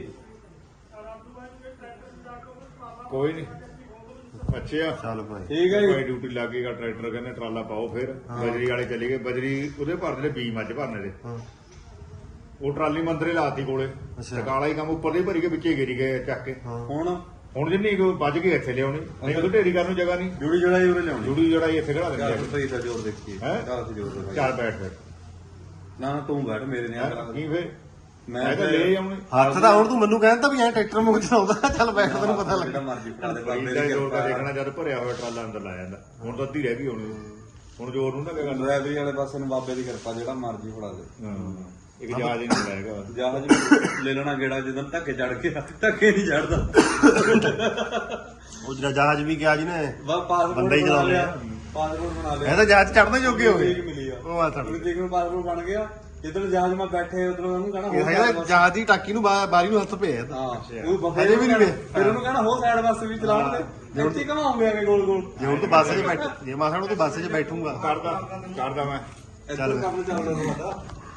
Speaker 6: ਕੋਈ ਨਹੀਂ ਅੱਛਾ
Speaker 2: ਚੱਲ ਭਾਈ
Speaker 5: ਠੀਕ ਹੈ ਜੀ
Speaker 6: ਭਾਈ ਡਿਊਟੀ ਲੱਗ ਗਈਗਾ ਟਰੈਕਟਰ ਕਹਿੰਦੇ ਟਰਾਲਾ ਪਾਓ ਫਿਰ ਬਜਰੀ ਵਾਲੇ ਚਲੇ ਗਏ ਬਜਰੀ ਉਹਦੇ ਭਰਦੇ ਨੇ ਬੀਜ ਮੱਝ ਭਰਨੇ ਦੇ
Speaker 2: ਹਾਂ
Speaker 6: ਉਹ ਟਰਾਲੀ ਮੰਦਰੇ ਲਾਤੀ ਕੋਲੇ
Speaker 2: ਅੱਛਾ।
Speaker 6: ਤੇ ਕਾਲਾ ਹੀ ਕੰਮ ਉੱਪਰ ਦੇ ਭਰੀ ਕੇ ਵਿੱਚੇ ਗਿਰੀ ਗਏ ਚੱਕ ਕੇ
Speaker 2: ਹਾਂ
Speaker 5: ਹੁਣ
Speaker 6: ਹੁਣ ਜਿੰਨੀ ਕੋ ਵੱਜ ਕੇ ਇੱਥੇ ਲਿਆਉਣੀ ਨਹੀਂ ਉਹ ਢੇਰੀ ਕਰਨ ਨੂੰ ਜਗ੍ਹਾ ਨਹੀਂ
Speaker 5: ਜੁੜੀ ਜੜਾਈ ਉਰੇ ਲਿਆਉਣੀ
Speaker 6: ਜੁੜੀ ਜੜਾਈ ਇੱਥੇ ਖੜਾ ਦਿੰਦੇ
Speaker 5: ਚੱਲ ਸਹੀ ਦਾ ਜ਼ੋਰ ਦੇਖੀਏ
Speaker 6: ਹੈਂ?
Speaker 5: ਚੱਲ ਤੇ ਜ਼ੋਰ ਦੇ
Speaker 6: ਚੱਲ ਬੈਠ ਫਿਰ
Speaker 5: ਨਾ ਨਾ ਤੂੰ ਬੈਠ ਮੇਰੇ ਨੇ ਆ
Speaker 6: ਕੀ ਫਿਰ
Speaker 5: ਮੈਂ
Speaker 6: ਮੈਂ ਤਾਂ ਲੈ ਆਉਣੀ
Speaker 2: ਹੱਥ ਤਾਂ ਹੁਣ ਤੂੰ ਮੈਨੂੰ ਕਹਿੰਦਾ ਵੀ ਐ ਟਰੈਕਟਰ ਮੁੱਕ ਚਲਾਉਂਦਾ ਚੱਲ ਬੈਠ ਤੈਨੂੰ ਪਤਾ ਲੱਗ
Speaker 5: ਜਿਹੜਾ ਮਰਜ਼ੀ ਫੜਾ ਦੇ ਬਾਬੇ
Speaker 6: ਇਹਦਾ
Speaker 5: ਦੀ
Speaker 6: ਜੋਰ ਦਾ
Speaker 5: ਕਿਰਪਾ
Speaker 6: ਦੇਖਣਾ ਜਦ ਭਰਿਆ ਹੋਇਆ ਟਰਾਲਾ ਅੰਦਰ ਲਾ ਜਾਂਦਾ ਹੁਣ ਤਾਂ ਅੱਧੀ ਰਹਿ ਗਈ ਹੋਣੀ ਹੁਣ ਜੋਰ ਨੂੰ ਨਾ ਕਿਆ ਕਰਨਾ
Speaker 5: ਡਰਾਈਵਰੀ ਵਾਲੇ ਪਾਸੇ ਨੂੰ ਬਾਬੇ ਦੀ ਕਿਰਪਾ ਜਿਹੜਾ ਮਰਜ਼ੀ ਫੜਾ ਦੇ
Speaker 6: ਹਾਂ ਇੱਕ ਜਹਾਜ਼ ਹੀ ਨਹੀਂ ਲਾਏਗਾ
Speaker 5: ਜਹਾਜ਼ ਵੀ ਲੈ ਲੈਣਾ ਗੇੜਾ ਜਦੋਂ ਧੱਕੇ ਚੜ ਗਿਆ ਧੱਕੇ ਨਹੀਂ ਚੜਦਾ
Speaker 2: ਉਹ ਜਿਹੜਾ ਜਹਾਜ਼ ਵੀ ਗਿਆ ਜੀ ਨੇ
Speaker 5: ਵਾ ਪਾਸਪੋਰਟ
Speaker 2: ਬੰਦਾ ਹੀ
Speaker 5: ਬਣਾ
Speaker 2: ਚਲਾ
Speaker 5: ਲਿਆ
Speaker 2: ਲਿਆ।
Speaker 5: ਪਾਸਪੋਰਟ ਬਣਾ ਲਿਆ
Speaker 2: ਇਹ ਤਾਂ ਜਹਾਜ਼ ਚੜਨੇ ਜੋਗੇ ਹੋ ਗਏ
Speaker 5: ਠੀਕ ਮਿਲੀ ਆ
Speaker 2: ਉਹ ਆ ਤਾਂ
Speaker 5: ਉਹ ਦੇਖ ਨੂੰ ਪਾਸਪੋਰਟ ਬਣ ਗਿਆ ਜਿੱਦਣ ਜਹਾਜ਼ ਮੈਂ ਬੈਠੇ ਉਧਰ ਉਹਨੂੰ ਕਹਣਾ
Speaker 2: ਇਹ ਹੈਗਾ ਜਹਾਜ਼ ਦੀ ਟਾਕੀ ਨੂੰ ਬਾ- ਬਾਰੀ ਨੂੰ ਹੱਥ ਪਿਆ ਤਾਂ
Speaker 5: ਹਾਂ ਉਹ ਬੱਬੇ
Speaker 2: ਹਜੇ ਵੀ ਨਹੀਂ ਗਏ।
Speaker 5: ਫਿਰ ਉਹਨੂੰ ਕਹਣਾ ਹੋ ਸਾਈਡ ਬੱਸ ਵੀ ਚਲਾਉਣ ਦੇ ਇੱਥੇ ਘਮਾਉਂਗੇ ਆ ਕੇ ਗੋਲ ਗੋਲ
Speaker 2: ਜੇ ਹੁਣ ਤੂੰ ਬੱਸ 'ਚ ਬੈਠ ਜੇ ਮਾਸਾ ਨੂੰ ਤੂੰ ਬੱਸ 'ਚ ਬੈਠੂਗਾ
Speaker 6: ਕਰਦਾ ਕਰਦਾ ਮੈਂ
Speaker 5: ਇੱਧਰ ਕੰਮ ਚੱਲਦਾ ਤੁਹਾਡਾ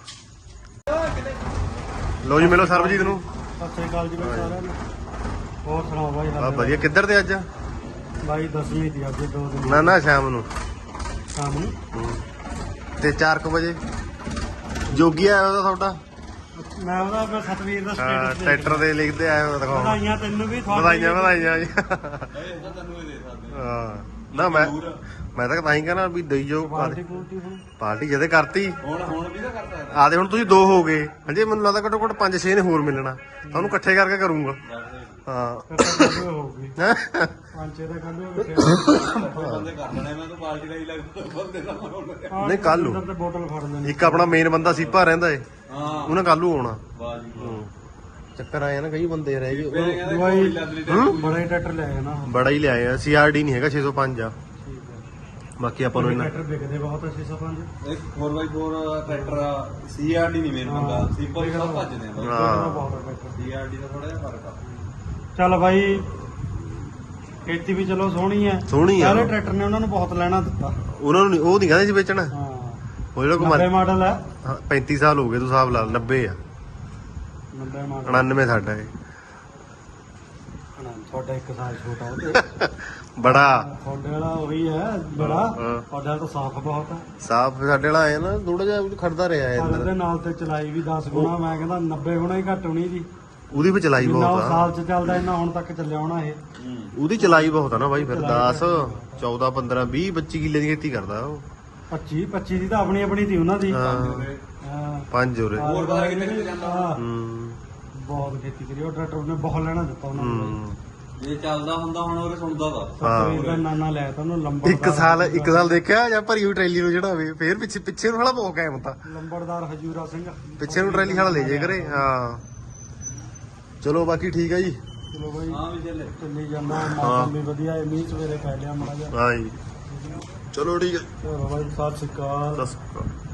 Speaker 2: ਲੋ ਜੀ ਮਿਲੋ ਸਰਬਜੀਤ ਨੂੰ
Speaker 1: ਸਤਿ ਸ੍ਰੀ ਅਕਾਲ ਜੀ ਬਾਈ ਸਾਰਿਆਂ ਨੂੰ ਹੋਰ ਸੁਣਾਓ ਬਾਈ
Speaker 2: ਆ
Speaker 1: ਹਾਲੇ?
Speaker 2: ਵਧੀਆ ਕਿੱਧਰ ਤੇ ਅੱਜ
Speaker 1: ਬਾਈ ਦਸਵੀਂ ਦੀ ਅੱਜ ਦੋ ਦਿਨ
Speaker 2: ਨਾ ਨਾ ਸ਼ਾਮ ਨੂੰ
Speaker 1: ਸ਼ਾਮ ਨੂੰ
Speaker 2: ਤੇ ਚਾਰ ਕੁ ਵਜੇ ਜੋਗੀ ਆਇਆ ਉਹਦਾ ਤੁਹਾਡਾ
Speaker 1: ਮੈਂ ਉਹਦਾ ਫਿਰ ਸਤਵੀਰ ਦਾ
Speaker 2: ਹਾਂ
Speaker 1: ਸਟੇਟਸ
Speaker 2: ਟਰੈਕਟਰ ਦੇ ਲਿਖਦੇ ਆਏ ਹੋ ਦਿਖਾਉਣ
Speaker 1: ਵਧਾਈਆਂ ਤੈਨੂੰ ਵੀ ਤੁਹਾਡੀ
Speaker 2: ਵਧਾਈਆਂ ਵਧਾਈਆਂ ਜੀ
Speaker 5: ਇਹ ਤਾਂ ਤੈਨੂੰ ਹੀ ਦੇ ਸਕਦੇ
Speaker 2: ਹਾਂ ਨਾ ਮੈਂ ਮੈਂ ਤਾਂ ਤਾਂ ਹੀ ਕਹਿੰਦਾ ਵੀ ਦਈ ਜੋ
Speaker 1: ਪਾਰਟੀ ਪੂਰਟੀ ਹੁਣ
Speaker 2: ਪਾਰਟੀ ਜਦੇ ਕਰਤੀ
Speaker 5: ਹੁਣ ਹੁਣ ਵੀ ਤਾਂ ਕਰ ਸਕਦਾ
Speaker 2: ਆਦੇ ਹੁਣ ਤੁਸੀਂ ਦੋ ਹੋ ਗਏ ਹਜੇ ਮੈਨੂੰ ਲੱਗਦਾ ਘੱਟੋ ਘੱਟ ਪੰਜ ਛੇ ਨੇ ਹੋਰ ਮਿਲਣਾ ਤੁਹਾਨੂੰ ਇਕੱਠੇ ਕਰਕੇ ਕਰੂੰਗਾ ਹਾਂ
Speaker 1: ਫਿਰ ਤਾਂ ਕੱਲ੍ਹ ਹੋਊਗੀ ਪੰਜ ਛੇ ਦਾ ਕੱਲ੍ਹ ਹੋਊਗੀ
Speaker 5: ਬੰਦੇ ਕਰ ਲੈਣੇ ਮੈਂ ਤਾਂ ਪਾਰਟੀ ਦਾ ਹੀ ਲੱਗ ਬੰਦੇ ਦਾ ਮਰੋਂ
Speaker 2: ਨਹੀਂ, ਕੱਲ੍ਹ ਨੂੰ।
Speaker 1: ਤੇ ਬੋਤਲ ਫੜ ਲੈਣੀ
Speaker 2: ਇੱਕ ਆਪਣਾ ਮੇਨ ਬੰਦਾ ਸੀਪਾ ਰਹਿੰਦਾ ਏ
Speaker 5: ਹਾਂ
Speaker 2: ਉਹਨੇ ਕੱਲੂ ਆਉਣਾ
Speaker 5: ਵਾਹ ਜੀ ਵਾਹ।
Speaker 2: ਚੱਕਰ ਆਇਆ ਨਾ ਕਈ ਬੰਦੇ ਰਹਿ ਗਏ
Speaker 5: ਮੇਰੇ ਕਹਿੰਦੇ
Speaker 1: ਦਵਾਈ-
Speaker 5: ਕੋਈ ਲੈਦਰੀ ਟੈਟੂ
Speaker 1: ਬੜਾ ਹੀ ਟਰੈਕਟਰ ਲੈ ਆਇਆ ਨਾ ਹੁਣ।
Speaker 2: ਬੜਾ ਹੀ ਲਿਆਏ ਆ ਸੀਆਰਡੀ ਨਹੀਂ ਹੈਗਾ ਛੇ ਸੌ ਪੰਜ ਆ
Speaker 1: ਠੀਕ ਹੈ
Speaker 2: ਬਾਕੀ ਆਪਾਂ ਨੂੰ ਇੰਨਾ
Speaker 1: ਟਰੈਕਟਰ ਵਿਕਦੇ ਬਹੁਤ ਆ ਛੇ ਸੌ ਪੰਜ
Speaker 5: ਇੱਕ four by four tractor CRD ਨਹੀਂ ਮੇਨ ਬੰਦਾ ਸਿੰਪਲ ਹੀ ਸਭ ਭੱਜਦੇ ਆ ਬਾਈ
Speaker 2: ਹਾਂ।
Speaker 1: ਬਹੁਤ ਆ ਟਰੈਕਟਰ
Speaker 5: ਸੀਆਰਡੀ ਦਾ ਥੋੜਾ ਜਿਹਾ ਫਰਕ ਆ
Speaker 1: ਚੱਲ ਬਾਈ ਖੇਤੀ ਵੀ ਚਲੋ ਸੋਹਣੀ ਹੈ
Speaker 2: ਸੋਹਣੀ ਆ।
Speaker 1: ਸਾਰੇ ਟਰੈਕਟਰ ਨੇ ਉਹਨਾਂ ਨੂੰ ਬਹੁਤ ਲੈਣਾ ਦਿੱਤਾ
Speaker 2: ਉਹਨਾਂ ਨੂੰ ਨੀ- ਉਹ ਨਹੀਂ ਕਹਿੰਦੇ ਸੀ ਵੇਚਣਾ
Speaker 1: ਹਾਂ
Speaker 2: ਉਹ ਜਿਹੜਾ
Speaker 1: ਨੱਬੇ
Speaker 2: ਕੁਮਾਰ
Speaker 1: ਮਾਡਲ ਹੈ
Speaker 2: ਪੈਂਤੀ ਸਾਲ ਹੋ ਗਏ ਤੂੰ ਹਿਸਾਬ ਲਾ ਨੱਬੇ ਆ
Speaker 1: ਨੱਬੇ ਮਾਡਲ
Speaker 2: ਉਣਾਨਵੇਂ ਸਾਡਾ ਏ
Speaker 1: ਤੁਹਾਡਾ ਇੱਕ ਸਾਲ ਛੋਟਾ ਉਹ ਤੇ
Speaker 2: ਬੜਾ
Speaker 1: ਤੁਹਾਡੇ ਵਾਲਾ ਉਹੀ ਹੈ ਬੜਾ
Speaker 2: ਹਾਂ।
Speaker 1: ਤੁਹਾਡੇ ਵਾਲਾ ਤਾਂ ਸਾਫ਼ ਬਹੁਤ ਹੈ
Speaker 2: ਸਾਫ ਸਾਡੇ ਵਾਲਾ ਆਇਆ ਨਾ ਥੋੜਾ ਜਿਹਾ ਖੜਦਾ ਰਿਹਾ
Speaker 1: ਪਰ
Speaker 2: ਇੱਧਰ
Speaker 1: ਉਹਦੇ ਨਾਲ ਤੇ ਚਲਾਈ ਵੀ ਦਸ ਗੁਣਾ ਮੈਂ ਕਹਿੰਦਾ ਨੱਬੇ ਗੁਣਾ ਹੀ ਘੱਟ ਹੋਣੀ ਦੀ
Speaker 2: ਉਹਦੀ ਵੀ ਚਲਾਈ
Speaker 1: ਜਿੰਨਾ ਉਹ
Speaker 2: ਬਹੁਤ ਆ
Speaker 1: ਸਾਲ ਚ ਚੱਲਦਾ ਇੰਨਾ ਹੁਣ ਤੱਕ ਚੱਲਿਆ ਹੋਣਾ ਇਹ
Speaker 2: ਉਹਦੀ ਚਲਾਈ ਬਹੁਤ ਆ ਨਾ ਬਾਈ ਫਿਰ
Speaker 1: ਚਲਾਈ
Speaker 2: ਦਸ ਚੌਦਾਂ ਪੰਦਰਾਂ ਵੀਹ ਬੱਚੀ ਕਿੱਲੇ ਦੀ ਖੇਤੀ ਕਰਦਾ ਉਹ
Speaker 1: ਪੱਚੀ ਪੱਚੀ ਦੀ ਤਾਂ ਆਪਣੀ ਆਪਣੀ ਸੀ ਉਹਨਾਂ ਦੀ
Speaker 2: ਹਾਂ
Speaker 1: ਹਾਂ
Speaker 2: ਪੰਜ ਉਰੇ
Speaker 5: ਹੋਰ ਪਤਾ ਕਿੱਥੇ ਕਿੱਥੇ ਜਾਂਦਾ
Speaker 1: ਹਾਂ,
Speaker 2: ਹੂੰ
Speaker 1: ਬਹੁਤ ਖੇਤੀ ਕਰੀ ਉਹ ਟਰੈਕਟਰ ਨੇ ਬਹੁਤ ਲੈਣਾ ਦਿੱਤਾ ਉਹਨਾਂ ਨੂੰ
Speaker 2: ਹੂੰ
Speaker 5: ਜੇ ਚੱਲਦਾ ਹੁੰਦਾ ਹੁਣ ਉਹ ਸੁਣਦਾ ਤਾਂ
Speaker 1: ਸਤਵੀਰ ਦਾ ਨਾਨਾ ਲੈ ਤਾ ਉਹਨੂੰ ਲੰਬੜਦਾਰ
Speaker 2: ਇੱਕ ਸਾਲ ਇੱਕ ਸਾਲ ਦੇਖਿਆ ਜਾਂ ਭਰੀ ਹੋਈ ਟਰੈਲੀ ਨੂੰ ਚੜਾਵੇ ਫੇਰ ਪਿੱਛੇ ਪਿੱਛੇ ਨੂੰ ਹਲਾ ਪੋ ਕੇ ਹੁੰਦਾ
Speaker 1: ਲੰਬੜਦਾਰ ਹਜੂਰਾ ਸਿੰਘ
Speaker 2: ਪਿੱਛੇ ਨੂੰ ਟਰੈਲੀ ਹਲਾ ਲੈ ਜੇ ਕਰੇ ਹਾਂ ਚਲੋ ਬਾਕੀ ਠੀਕ ਆ ਜੀ
Speaker 1: ਚਲੋ ਬਾਈ
Speaker 5: ਹਾਂ ਵੀ ਚੱਲੇ
Speaker 1: ਚੱਲੀ ਜਾਂਦਾ ਮੌਸਮ ਵੀ ਵਧੀਆ ਹੈ ਮੀਂਹ ਸਵੇਰੇ ਪੈ ਲਿਆ ਮਾੜਾ ਜਿਹਾ
Speaker 2: ਹਾਂ ਜੀ ਚਲੋ ਠੀਕ ਹੈ
Speaker 1: ਚਲੋ ਬਾਈ ਸਤਿ ਸ਼੍ਰੀ ਅਕਾਲ
Speaker 2: ਸਤਿ ਸ਼੍ਰੀ ਅਕਾਲ